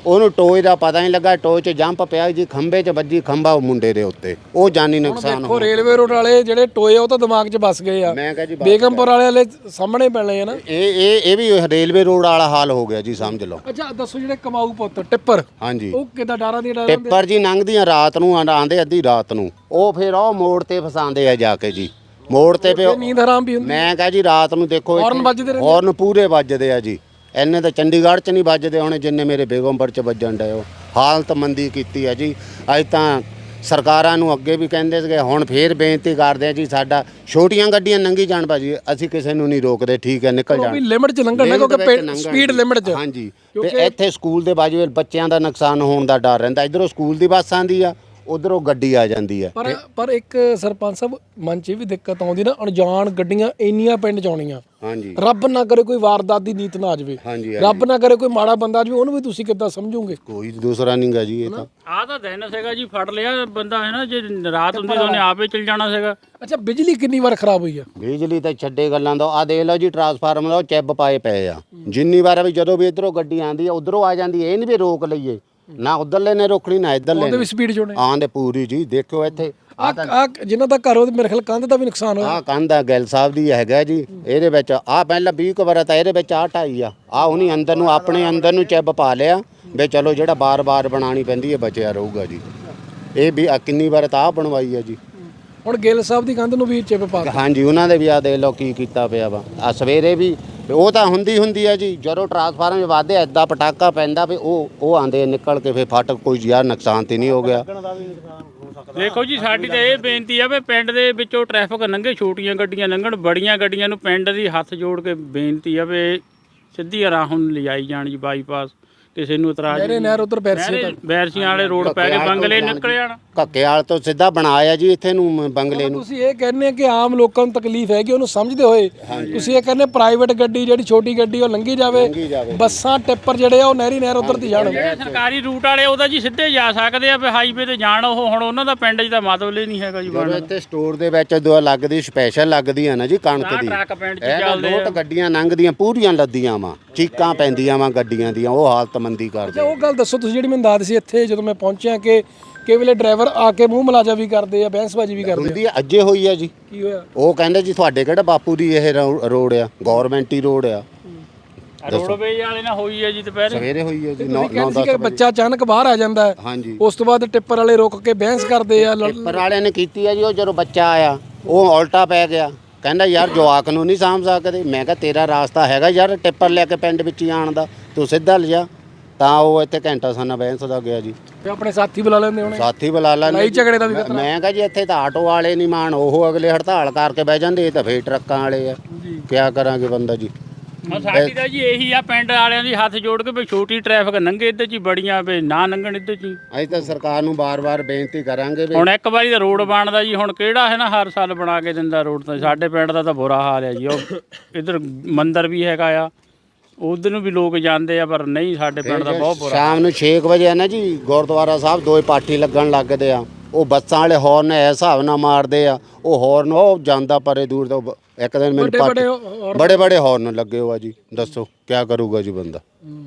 A: ਉਹਨੂੰ ਟੋਏ ਦਾ ਪਤਾ ਨਹੀਂ ਲੱਗਾ, ਟੋਏ 'ਚ ਜੰਪ ਪਿਆ ਜੀ, ਖੰਭੇ 'ਚ ਵੱਜੀ, ਖੰਭਾ ਉਹ ਮੁੰਡੇ ਦੇ ਉੱਤੇ, ਉਹ ਜਾਨੀ ਨੁਕਸਾਨ
B: ਦੇਖੋ ਰੇਲਵੇ ਰੋਡ ਵਾਲੇ ਜਿਹੜੇ ਟੋਏ ਆ ਉਹ ਤਾਂ ਦਿਮਾਗ 'ਚ ਵੱਸ ਗਏ ਆ,
A: ਮੈਂ ਕਹਾਂ ਜੀ
B: ਬੇਗਮਪੁਰ ਵਾਲੇ ਸਾਹਮਣੇ ਪੈਣੇ ਆ ਨਾ।
A: ਇਹ ਵੀ ਰੇਲਵੇ ਰੋਡ ਵਾਲਾ ਹਾਲ ਹੋ ਗਿਆ ਜੀ, ਸਮਝ ਲਓ।
B: ਅੱਛਾ ਦੱਸੋ ਜਿਹੜੇ ਕਮਾਊ ਪੁੱਤ ਟਿੱਪਰ,
A: ਹਾਂਜੀ,
B: ਉਹ ਕਿੱਦਾਂ ਡਾਰਾਂ ਦੀ ਡਾਰਾਂ
A: ਟਿੱਪਰ ਜੀ ਲੰਘਦੀਆਂ ਰਾਤ ਨੂੰ ਆਂਦੇ ਅੱਧੀ ਰਾਤ ਨੂੰ, ਉਹ ਫਿਰ ਉਹ ਮੋੜ ਤੇ ਫਸਾਉਂਦੇ ਆ ਜਾ ਕੇ ਜੀ, ਮੋੜ ਤੇ ਪਿਓ।
B: ਨੀਂਦ ਹਰਾਮ ਵੀ ਹੁੰਦੀ।
A: ਮੈਂ ਕਹਾਂ ਜੀ ਰਾਤ ਨੂੰ ਦੇਖੋ
B: ਹੌਰਨ ਵੱਜਦੇ ਰਹਿੰਦੇ,
A: ਹੌਰਨ ਪੂਰੇ ਵੱਜਦੇ ਆ ਜੀ, ਇੰਨੇ ਤਾਂ ਚੰਡੀਗੜ੍ਹ 'ਚ ਨਹੀਂ ਵੱਜਦੇ ਹੋਣੇ ਜਿੰਨੇ ਮੇਰੇ ਬੇਗਮਪੁਰ 'ਚ ਵੱਜਣ ਡਏ। ਉਹ ਹਾਲਤ ਮੰਦੀ ਕੀਤੀ ਹੈ ਜੀ। ਅੱਜ ਤਾਂ ਸਰਕਾਰਾਂ ਨੂੰ ਅੱਗੇ ਵੀ ਕਹਿੰਦੇ ਸੀਗੇ, ਹੁਣ ਫੇਰ ਬੇਨਤੀ ਕਰਦੇ ਆ ਜੀ, ਸਾਡਾ ਛੋਟੀਆਂ ਗੱਡੀਆਂ ਲੰਘੀ ਜਾਣ ਭਾਜੀ, ਅਸੀਂ ਕਿਸੇ ਨੂੰ ਨਹੀਂ ਰੋਕਦੇ, ਠੀਕ ਹੈ ਨਿਕਲ
B: ਉਹ
A: ਜਾਣ,
B: ਵੀ ਲਿਮਟ 'ਚ ਲੰਘਣ ਨਾ, ਕਿਉਂਕਿ ਸਪੀਡ ਲਿਮਟ 'ਚ।
A: ਹਾਂਜੀ, ਤੇ ਇੱਥੇ ਸਕੂਲ ਦੇ ਬਾਜੂ ਬੱਚਿਆਂ ਦਾ ਨੁਕਸਾਨ ਹੋਣ ਦਾ ਡਰ ਰਹਿੰਦਾ, ਇਧਰੋਂ ਸਕੂਲ ਦੀ ਬੱਸ ਆਂਦੀ ਆ, ਉਧਰੋਂ ਗੱਡੀ ਆ ਜਾਂਦੀ ਹੈ।
B: ਪਰ ਇੱਕ ਸਰਪੰਚ ਸਾਹਿਬ ਮਨ 'ਚ ਵੀ ਦਿੱਕਤ ਆਉਂਦੀ ਨਾ, ਅਣਜਾਣ ਗੱਡੀਆਂ ਇੰਨੀਆਂ ਪਿੰਡ 'ਚ ਆਉਣੀਆਂ,
A: ਹਾਂਜੀ,
B: ਰੱਬ ਨਾ ਕਰੇ ਕੋਈ ਵਾਰਦਾਤ ਦੀ ਨੀਤ ਨਾ ਆ ਜਾਵੇ,
A: ਹਾਂਜੀ,
B: ਰੱਬ ਨਾ ਕਰੇ ਕੋਈ ਮਾੜਾ ਬੰਦਾ ਆ ਜਾਵੇ, ਉਹਨੂੰ ਵੀ ਤੁਸੀਂ ਕਿੱਦਾਂ ਸਮਝੋਗੇ?
A: ਕੋਈ ਦੂਸਰਾ ਨਹੀਂਗਾ ਜੀ ਇਹ ਤਾਂ।
C: ਆਹ ਤਾਂ ਦਿਨ ਸੀਗਾ ਜੀ, ਫੜ ਲਿਆ ਬੰਦਾ ਹੈ ਨਾ, ਜੇ ਰਾਤ ਹੁੰਦੀ ਤਾਂ ਉਹਨੇ ਆਪੇ ਚਲ ਜਾਣਾ ਸੀਗਾ।
B: ਅੱਛਾ ਬਿਜਲੀ ਕਿੰਨੀ ਵਾਰ ਖਰਾਬ ਹੋਈ ਆ?
A: ਬਿਜਲੀ ਤਾਂ ਛੱਡੇ ਗੱਲਾਂ ਦਾ, ਆ ਦੇਖ ਲਓ ਜੀ ਟਰਾਂਸਫਾਰਮਰ ਦਾ ਉਹ ਚਿੱਬ ਪਾਏ ਪਏ ਆ, ਜਿੰਨੀ ਵਾਰ ਵੀ ਜਦੋਂ ਵੀ ਇਧਰੋਂ ਗੱਡੀ ਆਂਦੀ ਆ ਉਧਰੋਂ ਆ ਜਾਂਦੀ, ਇਹ ਨਹੀਂ ਵੀ ਰੋਕ ਲਈਏ, ਨਾ ਉਧਰਲੇ ਨੇ ਰੋਕਣੀ ਨਾ ਇਧਰਲੇ
B: ਉਹਦੇ ਵੀ ਸਪੀਡ 'ਚ ਹੋਣੇ
A: ਆਂਦੇ ਪੂਰੀ ਜੀ। ਦੇਖੋ ਇੱਥੇ
B: ਆ ਜਿਨ੍ਹਾਂ ਦਾ ਘਰ, ਉਹਦੇ ਮੇਰੇ ਖਿਆਲ ਕੰਧ ਦਾ ਵੀ ਨੁਕਸਾਨ ਹੋਇਆ।
A: ਆਹ ਕੰਧ ਆ ਗਿੱਲ ਸਾਹਿਬ ਦੀ ਹੈਗਾ ਜੀ, ਇਹਦੇ ਵਿੱਚ ਆ ਪਹਿਲਾਂ 20 ਕੁ ਵਾਰ ਤਾਂ ਇਹਦੇ ਵਿੱਚ ਆ ਢਾਈ ਆ, ਉਹਨੀ ਅੰਦਰ ਨੂੰ ਆਪਣੇ ਅੰਦਰ ਨੂੰ ਚਿੱਬ ਪਾ ਲਿਆ ਵੀ ਚਲੋ ਜਿਹੜਾ ਬਾਰ-ਬਾਰ ਬਣਾਉਣੀ ਪੈਂਦੀ ਹੈ ਬਚਿਆ ਰਹੂਗਾ ਜੀ। ਇਹ ਵੀ ਕਿੰਨੀ ਵਾਰ ਤਾਂ ਆ ਬਣਵਾਈ ਆ ਜੀ।
B: ਹੁਣ ਗਿੱਲ ਸਾਹਿਬ ਦੀ ਕੰਧ ਨੂੰ ਵੀ ਚਿੱਪ ਪਾ ਦਿੱਤਾ।
A: ਹਾਂਜੀ, ਉਹਨਾਂ ਦੇ ਵੀ ਆ ਦੇਖ ਲਓ ਕੀ ਕੀਤਾ ਪਿਆ ਵਾ। ਆ ਸਵੇਰੇ ਵੀ ਉਹ ਤਾਂ ਹੁੰਦੀ ਆ ਜੀ, ਜਦੋਂ ਟਰਾਂਸਫਾਰਮ ਵਾਧੇ ਐਦਾਂ ਪਟਾਕਾ ਪੈਂਦਾ ਵੀ ਉਹ ਆਂਦੇ ਨਿਕਲ ਕੇ ਫਿਰ ਫਟ, ਕੋਈ ਯਾਰ ਨੁਕਸਾਨ ਤੇ ਨਹੀਂ ਹੋ ਗਿਆ।
C: ਦੇਖੋ ਜੀ ਸਾਡੀ ਤਾਂ ਇਹ ਬੇਨਤੀ ਆ ਵੀ ਪਿੰਡ ਦੇ ਵਿੱਚੋਂ ਟ੍ਰੈਫਿਕ ਲੰਘੇ, ਛੋਟੀਆਂ ਗੱਡੀਆਂ ਲੰਘਣ, ਬੜੀਆਂ ਗੱਡੀਆਂ ਨੂੰ ਪਿੰਡ ਦੀ ਹੱਥ ਜੋੜ ਕੇ ਬੇਨਤੀ ਆ ਵੀ ਸਿੱਧੀ ਰਾਹ ਹੁਣ ਲਿਜਾਈ ਜਾਣ ਜੀ, ਬਾਈਪਾਸ, ਕਿਸੇ ਨੂੰ ਇਤਰਾਜ਼
B: ਮੇਰੇ ਨਹਿਰ ਉਧਰ ਬੈਰਸੀ ਤੱਕ,
C: ਬੈਰਸੀਆਂ ਵਾਲੇ ਰੋਡ ਪੈ ਕੇ ਬੰਗਲੇ ਨਿਕਲ ਜਾਣ।
A: ਘੱਕੇਵਾਲ ਤੋਂ ਸਿੱਧਾ ਬਣਾਇਆ ਜੀ ਇੱਥੇ ਨੂੰ ਬੰਗਲੇ ਨੂੰ।
B: ਤੁਸੀਂ ਇਹ ਕਹਿੰਦੇ ਕਿ ਆਮ ਲੋਕਾਂ ਨੂੰ ਤਕਲੀਫ ਹੈਗੀ, ਉਹਨੂੰ ਸਮਝਦੇ ਹੋਏ ਤੁਸੀਂ ਇਹ ਕਹਿੰਦੇ ਪ੍ਰਾਈਵੇਟ ਗੱਡੀ ਜਿਹੜੀ ਛੋਟੀ ਗੱਡੀ ਉਹ ਲੰਘੀ ਜਾਵੇ, ਬੱਸਾਂ ਟਿੱਪਰ ਜਿਹੜੇ ਆ ਉਹ ਨਹਿਰ ਉਧਰ ਦੀ ਜਾਣ।
C: ਜਿਹੜੇ ਸਰਕਾਰੀ ਰੂਟ ਵਾਲੇ ਉਹਦਾ ਜੀ ਸਿੱਧੇ ਜਾ ਸਕਦੇ ਆ, ਵੀ ਹਾਈਵੇ ਤੇ ਜਾਣ, ਉਹ ਹੁਣ ਉਹਨਾਂ ਦਾ ਪਿੰਡ 'ਚ ਤਾਂ ਮਤਲਬ ਹੀ ਨਹੀਂ ਹੈਗਾ ਜੀ।
A: ਜਦੋਂ ਇੱਥੇ ਸਟੋਰ ਦੇ ਵਿੱਚ ਦੁਆ ਲੱਗਦੀ, ਸਪੈਸ਼ਲ ਲੱਗਦੀ ਆ ਨਾ ਜੀ ਕਣਕ ਦੀ,
C: ਟਰੱਕ ਪਿੰਡ 'ਚ
A: ਇਹ ਤਾਂ
C: ਚੱਲਦੇ
A: ਲੋਟ ਗੱਡੀਆਂ ਲੰਘਦੀਆਂ ਪੂਰੀਆਂ ਲੱਦੀਆਂ ਵਾ, ਚੀਕਾਂ ਪੈਂਦੀਆਂ ਵਾ ਗੱਡੀਆਂ ਦੀਆਂ, ਉਹ ਹਾਲਤ ਮੰਦੀ ਕਰਦੇ।
B: ਉਹ ਗੱਲ ਦੱਸੋ ਤੁਸੀਂ ਜਿਹੜੀ ਮੈਨੂੰ ਦੱਸ ਸੀ ਇੱਥੇ ਜਦੋਂ ਮੈਂ ਪਹੁੰਚਿਆ ਕਿ ਕਈ ਵੇਲੇ ਡਰਾਈਵਰ ਆ ਕੇ ਮੂੰਹ ਮਲਾਜਾ ਵੀ ਕਰਦੇ ਆ, ਬਹਿਸਬਾਜੀ ਵੀ ਕਰਦੇ ਆ।
A: ਹੁੰਦੀ ਆ, ਅੱਜੇ ਹੋਈ ਆ ਜੀ।
B: ਕੀ ਹੋਇਆ?
A: ਉਹ ਕਹਿੰਦੇ ਜੀ ਤੁਹਾਡੇ ਕਿਹੜਾ ਬਾਪੂ ਦੀ ਇਹ ਰੋਡ ਆ, ਗਵਰਨਮੈਂਟ ਹੀ ਰੋਡ ਆ।
C: ਰੋਡਵੇਜ ਵਾਲੇ ਨਾਲ ਹੋਈ ਹੈ ਜੀ ਦੁਪਹਿਰੇ,
A: ਸਵੇਰੇ ਹੋਈ ਆ ਜੀ,
B: ਕਹਿੰਦੇ ਸੀ ਕਿ ਬੱਚਾ ਅਚਾਨਕ ਬਾਹਰ ਆ ਜਾਂਦਾ ਹੈ,
A: ਹਾਂਜੀ।
B: ਉਸ ਤੋਂ ਬਾਅਦ ਟਿੱਪਰ ਵਾਲੇ ਰੁਕ ਕੇ ਬਹਿਸ ਕਰਦੇ ਆ।
A: ਟਿੱਪਰ ਵਾਲਿਆਂ ਨੇ ਕੀਤੀ ਆ ਜੀ, ਉਹ ਜਦੋਂ ਬੱਚਾ ਆਇਆ ਉਹ ਉਲਟਾ ਪੈ ਗਿਆ, ਕਹਿੰਦਾ ਯਾਰ ਜਵਾਕ ਨੂੰ ਨਹੀਂ ਸਾਂਭ ਸਕਦੇ। ਮੈਂ ਕਿਹਾ ਤੇਰਾ ਰਾਸਤਾ ਹੈਗਾ ਯਾਰ ਟਿੱਪਰ ਲੈ ਕੇ ਪਿੰਡ ਵਿੱਚ ਹੀ ਆਉਣ ਦਾ, ਤੂੰ ਸਿੱਧਾ ਲਿਜਾ। ਤਾਂ ਉਹ ਇੱਥੇ ਘੰਟਾ ਸਾਨਾ ਬਹਿਸ ਦਾ ਗਿਆ ਜੀ।
B: ਤੇ ਆਪਣੇ ਸਾਥੀ ਬੁਲਾ ਲੈਂਦੇ ਹੋਣੇ,
A: ਸਾਥੀ ਬੁਲਾ ਲੈਂਦੇ,
B: ਲੜਾਈ ਝਗੜੇ ਦਾ ਵੀ ਖਤਰਾ।
A: ਮੈਂ ਕਿਹਾ ਜੀ ਇੱਥੇ ਤਾਂ ਆਟੋ ਵਾਲੇ ਨਹੀਂ ਮਾਣ, ਉਹ ਅਗਲੇ ਹੜਤਾਲ ਕਰਕੇ ਬਹਿ ਜਾਂਦੇ, ਇਹ ਤਾਂ ਫੇਰ ਟਰੱਕਾਂ ਵਾਲੇ ਆ, ਕਿਆ ਕਰਾਂਗੇ ਬੰਦਾ ਜੀ।
C: ਹੁਣ ਸਾਡੀ ਤਾਂ ਜੀ ਇਹੀ ਆ ਪਿੰਡ ਵਾਲਿਆਂ ਦੀ ਹੱਥ ਜੋੜ ਕੇ ਵੀ ਛੋਟੀ ਟ੍ਰੈਫਿਕ ਲੰਘੇ ਇੱਧਰ 'ਚ ਹੀ, ਬੜੀਆਂ ਵੀ ਨਾ ਲੰਘਣ ਇੱਧਰ 'ਚ ਹੀ।
A: ਅਸੀਂ ਤਾਂ ਸਰਕਾਰ ਨੂੰ ਬਾਰ-ਬਾਰ ਬੇਨਤੀ ਕਰਾਂਗੇ ਵੀ
C: ਹੁਣ ਇੱਕ ਵਾਰੀ ਤਾਂ ਰੋਡ ਬਣਦਾ ਜੀ, ਹੁਣ ਕਿਹੜਾ ਹੈ ਨਾ ਹਰ ਸਾਲ ਬਣਾ ਕੇ ਦਿੰਦਾ ਰੋਡ, ਤਾਂ ਸਾਡੇ ਪਿੰਡ ਦਾ ਤਾਂ ਬੁਰਾ ਹਾਲ ਹੈ ਜੀ। ਉਹ ਇੱਧਰ ਮੰਦਿਰ ਵੀ ਹੈਗਾ ਆ, ਉਧਰ ਨੂੰ ਵੀ ਲੋਕ ਜਾਂਦੇ ਆ, ਪਰ ਨਹੀਂ ਸਾਡੇ ਪਿੰਡ ਦਾ ਬਹੁਤ ਬੁਰਾ।
A: ਸ਼ਾਮ ਨੂੰ 6 ਵਜੇ ਆ ਨਾ ਜੀ, ਗੁਰਦੁਆਰਾ ਸਾਹਿਬ ਦੋਏ ਪਾਠੀ ਲੱਗਣ ਲੱਗਦੇ ਆ, ਉਹ ਬੱਸਾਂ ਵਾਲੇ ਹੌਰਨ ਇਸ ਹਿਸਾਬ ਨਾਲ ਮਾਰਦੇ ਆ, ਉਹ ਹੌਰਨ ਉਹ ਜਾਂਦਾ ਪਰੇ ਦੂਰ ਤੋਂ। ਇੱਕ ਦਿਨ ਮੈਨੂੰ ਬੜੇ ਹੌਰਨ ਲੱਗੇ ਹੋ ਆ ਜੀ, ਦੱਸੋ ਕਿਆ ਕਰੂਗਾ ਜੀ ਬੰਦਾ।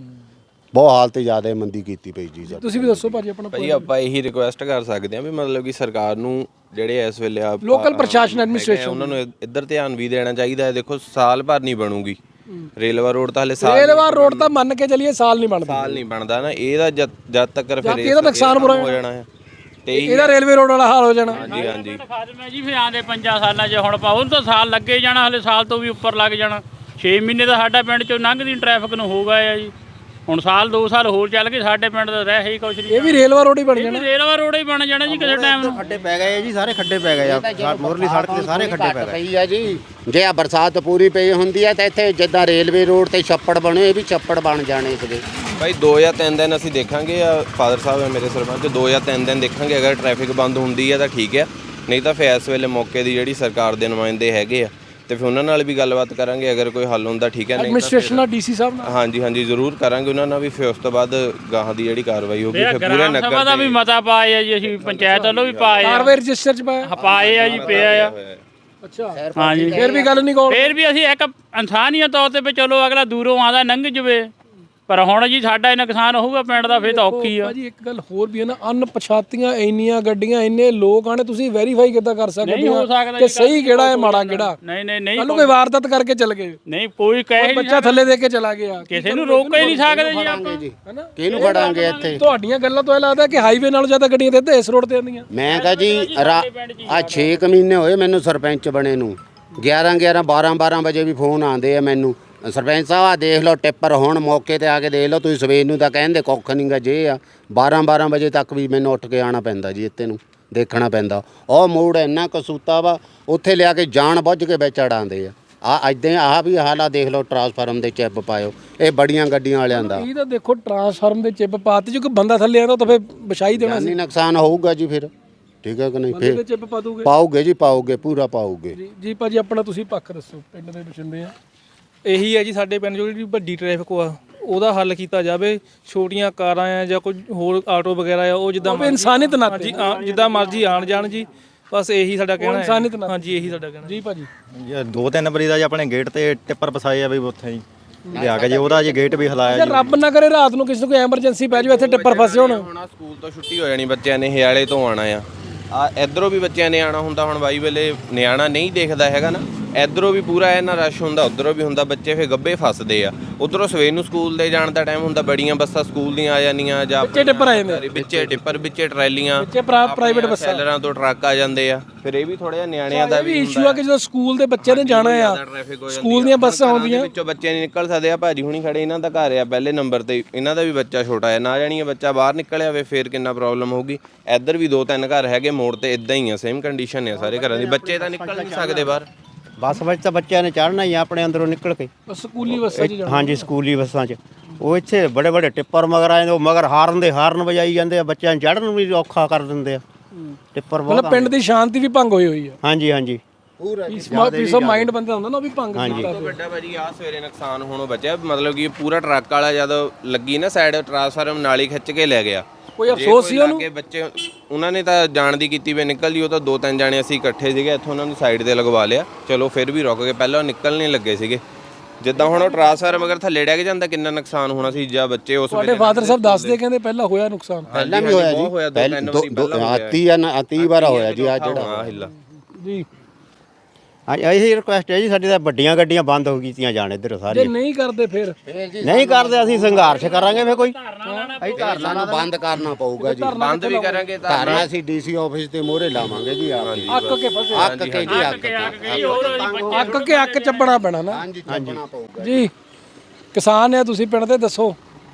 A: ਬਹੁਤ ਹਾਲਤ ਜ਼ਿਆਦਾ ਮੰਦੀ ਕੀਤੀ ਪਈ ਜੀ।
B: ਤੁਸੀਂ ਵੀ ਦੱਸੋ ਭਾਜੀ ਆਪਣਾ।
D: ਭਾਜੀ ਆਪਾਂ ਇਹੀ ਰਿਕੁਐਸਟ ਕਰ ਸਕਦੇ ਹਾਂ ਵੀ ਮਤਲਬ ਕਿ ਸਰਕਾਰ ਨੂੰ ਜਿਹੜੇ ਇਸ ਵੇਲੇ ਆ
B: ਲੋਕਲ ਪ੍ਰਸ਼ਾਸਨ ਐਡਮਿਨਿਸਟ੍ਰੇਸ਼ਨ,
D: ਉਹਨਾਂ ਨੂੰ ਇੱਧਰ ਧਿਆਨ ਵੀ ਦੇਣਾ ਚਾਹੀਦਾ ਹੈ। ਦੇਖੋ ਸਾਲ ਭਰ ਨਹੀਂ ਬਣੂਗੀ ਰੇਲਵਾ ਰੋਡ, ਤਾਂ ਹਲੇ
B: ਰੇਲਵਾ ਰੋਡ ਤਾਂ ਮੰਨ ਕੇ ਚੱਲੀਏ ਸਾਲ ਨਹੀਂ
D: ਬਣਦਾ ਨਾ, ਇਹਦਾ ਜਦ ਤੱਕ ਫਿਰ
B: ਇਹਦਾ ਨੁਕਸਾਨ ਬੁਰਾ
D: ਹੋ ਜਾਣਾ ਹੈ, ਤੇ
B: ਇਹਦਾ ਰੇਲਵੇ ਰੋਡ ਵਾਲਾ ਹਾਲ ਹੋ ਜਾਣਾ।
D: ਹਾਂਜੀ ਹਾਂਜੀ
C: ਖਾਦਮਾ ਜੀ ਫਿਰ ਆਂਦੇ 5 ਸਾਲਾਂ 'ਚ ਹੁਣ ਪਾਉ ਤਾਂ ਸਾਲ ਲੱਗੇ ਜਾਣਾ, ਹਲੇ ਸਾਲ ਤੋਂ ਵੀ ਉੱਪਰ ਲੱਗ ਜਾਣਾ। 6 ਮਹੀਨੇ ਦਾ ਸਾਡਾ ਪਿੰਡ 'ਚੋਂ ਲੰਘਦੀ ਟ੍ਰੈਫਿਕ ਨੂੰ ਹੋ ਗਿਆ ਜੀ। ਹੁਣ ਸਾਲ 2 ਸਾਲ ਹੋਰ ਚੱਲ ਗਏ, ਸਾਡੇ ਪਿੰਡ ਦਾ ਰਹਿ ਹੀ ਕੁਛ ਨਹੀਂ।
B: ਇਹ ਵੀ ਰੇਲਵਾ ਰੋਡ ਹੀ ਬਣ ਜਾਣਾ,
C: ਰੇਲਵਾ ਰੋਡ ਹੀ ਬਣ ਜਾਣਾ ਜੀ ਕਿਸੇ ਟਾਈਮ ਨੂੰ।
E: ਖੱਡੇ ਪੈ ਗਏ ਜੀ, ਸਾਰੇ ਖੱਡੇ ਪੈ ਗਏ ਆ, ਮੋਰਲੀ ਸੜਕ ਤੇ ਸਾਰੇ ਖੱਡੇ ਪੈ ਗਏ
A: ਪਈ ਆ ਜੀ। ਜੇ ਆ ਬਰਸਾਤ ਪੂਰੀ ਪਈ ਹੁੰਦੀ ਆ ਤਾਂ ਇੱਥੇ ਜਿੱਦਾਂ ਰੇਲਵੇ ਰੋਡ ਤੇ ਛੱਪੜ ਬਣੇ, ਇਹ ਵੀ ਛੱਪੜ ਬਣ ਜਾਣੇ ਸੀਗੇ।
D: ਭਾਈ 2 ਜਾਂ 3 ਦਿਨ ਅਸੀਂ ਦੇਖਾਂਗੇ, ਫਾਦਰ ਸਾਹਿਬ ਹੈ ਮੇਰੇ ਸਰਪੰਚ, 2 ਜਾਂ 3 ਦਿਨ ਦੇਖਾਂਗੇ। ਅਗਰ ਟ੍ਰੈਫਿਕ ਬੰਦ ਹੁੰਦੀ ਹੈ ਤਾਂ ਠੀਕ ਹੈ, ਨਹੀਂ ਤਾਂ ਫਿਰ ਇਸ ਵੇਲੇ ਮੌਕੇ ਦੀ ਜਿਹੜੀ ਸਰਕਾਰ ਦੇ ਨੁਮਾਇੰਦੇ ਹੈਗੇ ਆ ਤੇ ਫਿਰ ਉਹਨਾਂ ਨਾਲ ਵੀ ਗੱਲਬਾਤ ਕਰਾਂਗੇ, ਅਗਰ ਕੋਈ ਹੱਲ ਹੁੰਦਾ ਠੀਕ ਹੈ, ਨਹੀਂ
B: ਐਡਮਿਨਿਸਟ੍ਰੇਸ਼ਨ ਨਾਲ ਡੀਸੀ ਸਾਹਿਬ ਨਾਲ।
D: ਹਾਂਜੀ ਜ਼ਰੂਰ ਕਰਾਂਗੇ ਉਹਨਾਂ ਨਾਲ ਵੀ। ਫਿਰ ਉਸ ਤੋਂ ਬਾਅਦ ਗਾਹਾਂ ਦੀ ਜਿਹੜੀ ਕਾਰਵਾਈ ਹੋਊਗੀ ਫਿਰ ਪੂਰੇ ਨਗਰ
C: ਸਭਾ ਦਾ ਵੀ ਮਤਾ ਪਾਏ ਆ ਜੀ, ਅਸੀਂ ਪੰਚਾਇਤ ਵੱਲੋਂ ਵੀ ਪਾਏ ਆ,
B: ਕਾਰਵਾਈ ਰਜਿਸਟਰ 'ਚ ਪਾਇਆ
C: ਪਾਏ ਆ ਜੀ, ਪਿਆ ਆ।
B: ਅੱਛਾ
C: ਹਾਂਜੀ,
B: ਫਿਰ ਵੀ ਗੱਲ ਨਹੀਂ ਕੋਲ।
C: ਫਿਰ ਵੀ ਅਸੀਂ ਇੱਕ ਇਨਸਾਨੀਅਤ ਤੌਰ ਤੇ ਵੀ ਚਲੋ ਅਗਲਾ ਦੂਰੋਂ ਆਉਂਦਾ ਲੰਘ ਜਵੇ, ਪਰ ਹੁਣ ਜੀ ਸਾਡਾ ਇਹ ਨੁਕਸਾਨ ਹੋਊਗਾ ਪਿੰਡ ਦਾ, ਫਿਰ ਤਾਂ ਔਖੀ ਆ।
B: ਭਾਜੀ ਇੱਕ ਗੱਲ ਹੋਰ ਵੀ ਹੈ ਨਾ, ਅਣਪਛਾਤੀਆਂ ਇੰਨੀਆਂ ਗੱਡੀਆਂ, ਇੰਨੇ ਲੋਕ ਆਣੇ, ਤੁਸੀਂ ਵੈਰੀਫਾਈ ਕਿੱਦਾਂ ਕਰ ਸਕਦੇ
C: ਹੋ ਸਕਦਾ
B: ਕਿ ਸਹੀ ਕਿਹੜਾ ਹੈ ਮਾੜਾ ਕਿਹੜਾ?
C: ਨਹੀਂ
B: ਕੱਲ ਨੂੰ ਕੋਈ ਵਾਰਦਾਤ ਕਰਕੇ ਚੱਲ ਗਏ,
C: ਨਹੀਂ ਕੋਈ ਕਹੇ
B: ਬੱਚਾ ਥੱਲੇ ਦੇ ਕੇ ਚਲਾ ਗਿਆ,
C: ਕਿਸੇ ਨੂੰ ਰੋਕ ਹੀ ਨਹੀਂ ਸਕਦੇ ਜੀ ਆਪਾਂ।
B: ਹੈਨਾ?
A: ਕਿਹਨੂੰ ਫੜਾਂਗੇ ਇੱਥੇ?
B: ਤੁਹਾਡੀਆਂ ਗੱਲਾਂ ਤੋਂ ਇਹ ਲੱਗਦਾ ਕਿ ਹਾਈਵੇ ਨਾਲੋਂ ਜ਼ਿਆਦਾ ਗੱਡੀਆਂ ਤੇ ਇਸ ਰੋਡ ਤੇ ਆਉਂਦੀਆਂ।
A: ਮੈਂ ਕਹਾਂ ਜੀ ਆ 6 ਮਹੀਨੇ ਹੋਏ ਮੈਨੂੰ ਸਰਪੰਚ ਬਣੇ ਨੂੰ, 11 12 ਵਜੇ ਵੀ ਫੋਨ ਆਉਂਦੇ ਆ ਮੈਨੂੰ, ਸਰਪੰਚ ਸਾਹਿਬ ਆ ਦੇਖ ਲਓ ਟਿੱਪਰ, ਹੁਣ ਮੌਕੇ ਤੇ ਆ ਕੇ ਦੇਖ ਲਓ ਤੁਸੀਂ, ਸਵੇਰ ਨੂੰ ਤਾਂ ਕਹਿੰਦੇ ਕੁੱਖ ਨਹੀਂ ਗਾ ਜੇ ਆ, 12 ਵਜੇ ਤੱਕ ਵੀ ਮੈਨੂੰ ਉੱਠ ਕੇ ਆਉਣਾ ਪੈਂਦਾ ਜੀ, ਇੱਥੇ ਨੂੰ ਦੇਖਣਾ ਪੈਂਦਾ। ਉਹ ਮੋੜ ਇੰਨਾ ਕਸੂਤਾ ਵਾ, ਉੱਥੇ ਲਿਆ ਕੇ ਜਾਣ ਬੁੱਝ ਕੇ ਵਿੱਚ ਅੜਾਉਂਦੇ ਆ ਇੱਦਾਂ ਆਹ ਵੀ ਹਾਲਾ ਦੇਖ ਲਓ, ਟਰਾਂਸਫਾਰਮ ਦੇ ਚਿੱਪ ਪਾਇਓ, ਇਹ ਬੜੀਆਂ ਗੱਡੀਆਂ ਵਾਲਿਆਂ ਦਾ।
B: ਇਹ ਤਾਂ ਦੇਖੋ ਟਰਾਂਸਫਾਰਮ ਦੇ ਚਿੱਪ ਪਾਤੀ, ਜੋ ਕੋਈ ਬੰਦਾ ਥੱਲੇ ਆਉਂਦਾ ਤਾਂ ਫਿਰ ਵਿਛਾਈ ਦੇਣਾ ਸੀ,
A: ਜਾਨੀ ਨੁਕਸਾਨ ਹੋਊਗਾ ਜੀ ਫਿਰ, ਠੀਕ ਹੈ ਕਿ ਨਹੀਂ?
B: ਬੰਦੇ ਦੇ
A: ਫਿਰ
B: ਚਿੱਪ ਪਾ ਦੂਗੇ।
A: ਪਾਓਗੇ ਜੀ, ਪਾਓਗੇ, ਪੂਰਾ ਪਾਓਗੇ।
B: ਜੀ ਭਾਜੀ ਆਪਣਾ ਤੁਸੀਂ ਪੱਖ ਦੱਸੋ, ਪਿੰਡ ਦੇ ਬਸਿੰਦੇ ਆ।
F: ਇਹੀ ਹੈ ਜੀ, ਸਾਡੇ ਪਿੰਡ ਜਿਹੜੀ ਵੱਡੀ ਟ੍ਰੈਫਿਕ ਆ ਉਹਦਾ ਹੱਲ ਕੀਤਾ ਜਾਵੇ। ਛੋਟੀਆਂ ਕਾਰਾਂ ਆ ਜਾਂ ਕੋਈ ਹੋਰ ਆਟੋ ਵਗੈਰਾ ਆ, ਉਹ ਜਿੱਦਾਂ
B: ਇਨਸਾਨੀਅਤ ਨਾਤੇ
F: ਹਾਂਜੀ ਜਿੱਦਾਂ ਮਰਜ਼ੀ ਆਣ ਜਾਣ ਜੀ, ਬਸ ਇਹੀ ਸਾਡਾ ਕਹਿਣਾ
B: ਇਨਸਾਨੀਅਤ
F: ਹੈ।
B: ਨਾਤੇ।
F: ਹਾਂਜੀ ਇਹੀ ਸਾਡਾ ਕਹਿਣਾ
B: ਜੀ ਭਾਜੀ
E: ਜੀ 2-3 ਵਾਰੀ ਦਾ ਜੀ ਆਪਣੇ ਗੇਟ ਤੇ ਟਿੱਪਰ ਫਸਾਏ ਆ ਵੀ ਉੱਥੇ ਜੀ ਲਿਆ ਕੇ ਜੀ, ਉਹਦਾ ਜੀ ਗੇਟ ਵੀ ਹਲਾਇਆ ਜੀ।
B: ਰੱਬ ਨਾ ਕਰੇ ਰਾਤ ਨੂੰ ਕਿਸੇ ਨੂੰ ਕੋਈ ਐਮਰਜੈਂਸੀ ਪੈ ਜਾਵੇ, ਇੱਥੇ ਟਿੱਪਰ ਫਸੇ ਹੋਣ।
D: ਹੁਣ ਸਕੂਲ ਤੋਂ ਛੁੱਟੀ ਹੋ ਜਾਣੀ, ਬੱਚਿਆਂ ਨੇ ਹਿਆਲੇ ਤੋਂ ਆਉਣਾ ਆ ਇਧਰੋਂ ਵੀ ਬੱਚਿਆਂ ਨੇ ਆਉਣਾ ਹੁੰਦਾ। ਹੁਣ ਬਾਈ ਵੇਲੇ ਨਿਆਣਾ ਨਹੀਂ ਦੇਖਦਾ ਹੈਗਾ ਨਾ, ਇਧਰੋਂ ਵੀ ਪੂਰਾ ਇਹਨਾਂ ਰਸ਼ ਹੁੰਦਾ, ਉਧਰੋਂ ਵੀ ਹੁੰਦਾ, ਬੱਚੇ ਫੇ ਗੱਬੇ ਫਸਦੇ ਆ। ਉਧਰੋਂ ਸਵੇਰ ਨੂੰ ਸਕੂਲ ਦੇ ਜਾਣ ਦਾ ਟਾਈਮ ਹੁੰਦਾ, ਬੜੀਆਂ ਬੱਸਾਂ ਸਕੂਲ ਦੀਆਂ ਆ ਜਾਂਦੀਆਂ ਜਾਂ
B: ਵਿੱਚੇ ਟਿੱਪਰ ਆ ਜਾਂਦੇ,
D: ਵਿੱਚੇ ਟਿੱਪਰ, ਵਿੱਚੇ ਟਰੈਲੀਆਂ,
B: ਵਿੱਚੇ ਪ੍ਰਾਈਵੇਟ ਬੱਸਾਂ,
D: ਸੈਲਰਾਂ ਤੋਂ ਟਰੱਕ ਆ ਜਾਂਦੇ ਆ। ਫਿਰ ਇਹ ਵੀ ਥੋੜਾ ਜਿਹਾ ਨਿਆਣਿਆਂ ਦਾ ਵੀ
B: ਇਸ਼ੂ ਆ ਕਿ ਜਦੋਂ ਸਕੂਲ ਦੇ ਬੱਚੇ ਨੇ ਜਾਣਾ ਆ, ਸਕੂਲ ਦੀਆਂ ਬੱਸਾਂ ਆਉਂਦੀਆਂ,
D: ਵਿੱਚੋਂ ਬੱਚੇ ਨਹੀਂ ਨਿਕਲ ਸਕਦੇ ਆ। ਭਾਜੀ ਹੁਣੀ ਖੜੇ, ਇਹਨਾਂ ਦਾ ਘਰ ਆ ਪਹਿਲੇ ਨੰਬਰ ਤੇ, ਇਹਨਾਂ ਦਾ ਵੀ ਬੱਚਾ ਛੋਟਾ ਹੈ, ਨਾ ਜਾਣੀ ਬੱਚਾ ਬਾਹਰ ਨਿਕਲਿਆ ਹੋਵੇ ਫਿਰ ਕਿੰਨਾ ਪ੍ਰੋਬਲਮ ਹੋਊਗੀ। ਇੱਧਰ ਵੀ 2-3 ਘਰ ਹੈਗੇ ਮੋੜ ਤੇ, ਇਦਾਂ ਹੀ ਆ, ਸੇਮ ਕੰਡੀਸ਼ਨ ਆ ਸਾਰੇ ਘਰਾਂ ਦੀ, ਬੱਚੇ ਤਾਂ ਨਿਕਲ ਨਹੀਂ ਸਕਦੇ ਬਾਹਰ।
E: ਬੱਸ ਵਿੱਚ ਤਾਂ ਬੱਚਿਆਂ ਨੇ ਚੜ੍ਹਨਾ ਹੀ ਆ ਆਪਣੇ ਅੰਦਰੋਂ ਨਿਕਲ ਕੇ।
B: ਸਕੂਲੀ ਬੱਸਾਂ 'ਚ ਜਾਣਾ।
E: ਹਾਂਜੀ ਸਕੂਲੀ ਬੱਸਾਂ 'ਚ ਉਹ ਇੱਥੇ ਬੜੇ ਟਿੱਪਰ ਮਗਰ ਆ ਜਾਂਦੇ, ਉਹ ਮਗਰ ਹਾਰਨ ਵਜਾਈ ਜਾਂਦੇ ਆ, ਬੱਚਿਆਂ ਨੂੰ ਚੜ੍ਹਨ ਨੂੰ ਵੀ ਔਖਾ ਕਰ ਦਿੰਦੇ ਆ ਟਿੱਪਰ ਬਹੁਤ।
B: ਮਤਲਬ ਪਿੰਡ ਦੀ ਸ਼ਾਂਤੀ ਵੀ ਭੰਗ ਹੋਈ ਆ।
E: ਹਾਂਜੀ
A: ਪੂਰਾ
B: ਪੀਸ ਆਫ ਮਾਈਂਡ ਬੰਦਾ ਹੁੰਦਾ ਨਾ, ਉਹ ਵੀ ਭੰਗ ਕੀਤਾ।
D: ਵੱਡਾ ਭਾਜੀ ਆ ਸਵੇਰੇ ਨੁਕਸਾਨ ਹੋਣੋਂ ਬਚਿਆ, ਮਤਲਬ ਕਿ ਪੂਰਾ ਟਰੱਕ ਵਾਲਾ ਜਦੋਂ ਲੱਗੀ ਨਾ ਸਾਈਡ, ਟਰਾਂਸਫਾਰਮ ਨਾਲ ਹੀ ਖਿੱਚ ਕੇ ਲੈ ਗਿਆ।
B: ਕੋਈ ਅਫਸੋਸ ਸੀ ਉਹਨੂੰ?
D: ਬੱਚੇ ਉਹਨਾਂ ਨੇ ਤਾਂ ਜਾਣ ਦੀ ਕੀਤੀ ਵੀ ਨਿਕਲ ਜੀ, ਉਹ ਤਾਂ 2-3 ਜਾਣੇ ਅਸੀਂ ਇਕੱਠੇ ਸੀਗੇ, ਇੱਥੋਂ ਉਹਨਾਂ ਨੂੰ ਸਾਈਡ ਤੇ ਲਗਵਾ ਲਿਆ, ਚਲੋ ਫਿਰ ਵੀ ਰੁਕ ਗਏ, ਪਹਿਲਾਂ ਨਿਕਲ ਨਹੀਂ ਲੱਗੇ ਸੀਗੇ। ਜਿੱਦਾਂ ਹੁਣ ਉਹ ਟਰਾਂਸਫਾਰਮ ਅਗਰ ਥੱਲੇ ਡਿੱਗ ਜਾਂਦਾ ਕਿੰਨਾ ਨੁਕਸਾਨ ਹੋਣਾ ਸੀ, ਜਾਂ ਬੱਚੇ ਉਸ
B: ਤੁਹਾਡੇ ਫਾਦਰ ਸਾਹਿਬ ਦੱਸਦੇ ਕਹਿੰਦੇ ਪਹਿਲਾਂ ਹੋਇਆ ਨੁਕਸਾਨ।
A: ਪਹਿਲਾਂ ਵੀ ਹੋਇਆ ਜੀ,
D: 2-3 ਵਾਰੀ ਪਹਿਲਾਂ
A: 30 ਵਾਰ ਹੋਇਆ ਜੀ ਆ ਜਿਹੜਾ।
D: ਹਿੱਲਾ
B: ਜੀ
E: ਇਹੀ ਰਿਕੁਐਸਟ ਹੈ ਜੀ ਸਾਡੀ, ਤਾਂ ਵੱਡੀਆਂ ਗੱਡੀਆਂ ਬੰਦ ਹੋ ਗਈਆਂ ਜਾਣ ਇੱਧਰ
B: ਜੇ
E: ਸਾਰੀਆਂ।
B: ਨਹੀਂ ਕਰਦੇ ਫਿਰ
E: ਨਹੀਂ ਕਰਦੇ ਅਸੀਂ ਸੰਘਰਸ਼ ਕਰਾਂਗੇ ਫੇ ਕੋਈ।
A: ਧਰਨਾ ਨੂੰ ਬੰਦ ਕਰਨਾ ਪਊਗਾ ਜੀ,
D: ਬੰਦ ਵੀ ਕਰਾਂਗੇ ਤਾਂ
A: ਧਰਨਾ ਅਸੀਂ ਡੀਸੀ ਆਫਿਸ ਦੇ ਮੋਹਰੇ ਲਾਵਾਂਗੇ ਜੀ।
B: ਅੱਕ ਕੇ ਫਸੇ,
A: ਅੱਕ ਕੇ ਜੀ,
B: ਅੱਕ ਕੇ ਅੱਕ ਚੱਪਣਾ ਪੈਣਾ ਨਾ।
A: ਹਾਂਜੀ ਚੱਪਣਾ ਪਊਗਾ
B: ਜੀ ਕਿਸਾਨ ਆ ਤੁਸੀਂ, ਪਿੰਡ ਦੇ ਦੱਸੋ,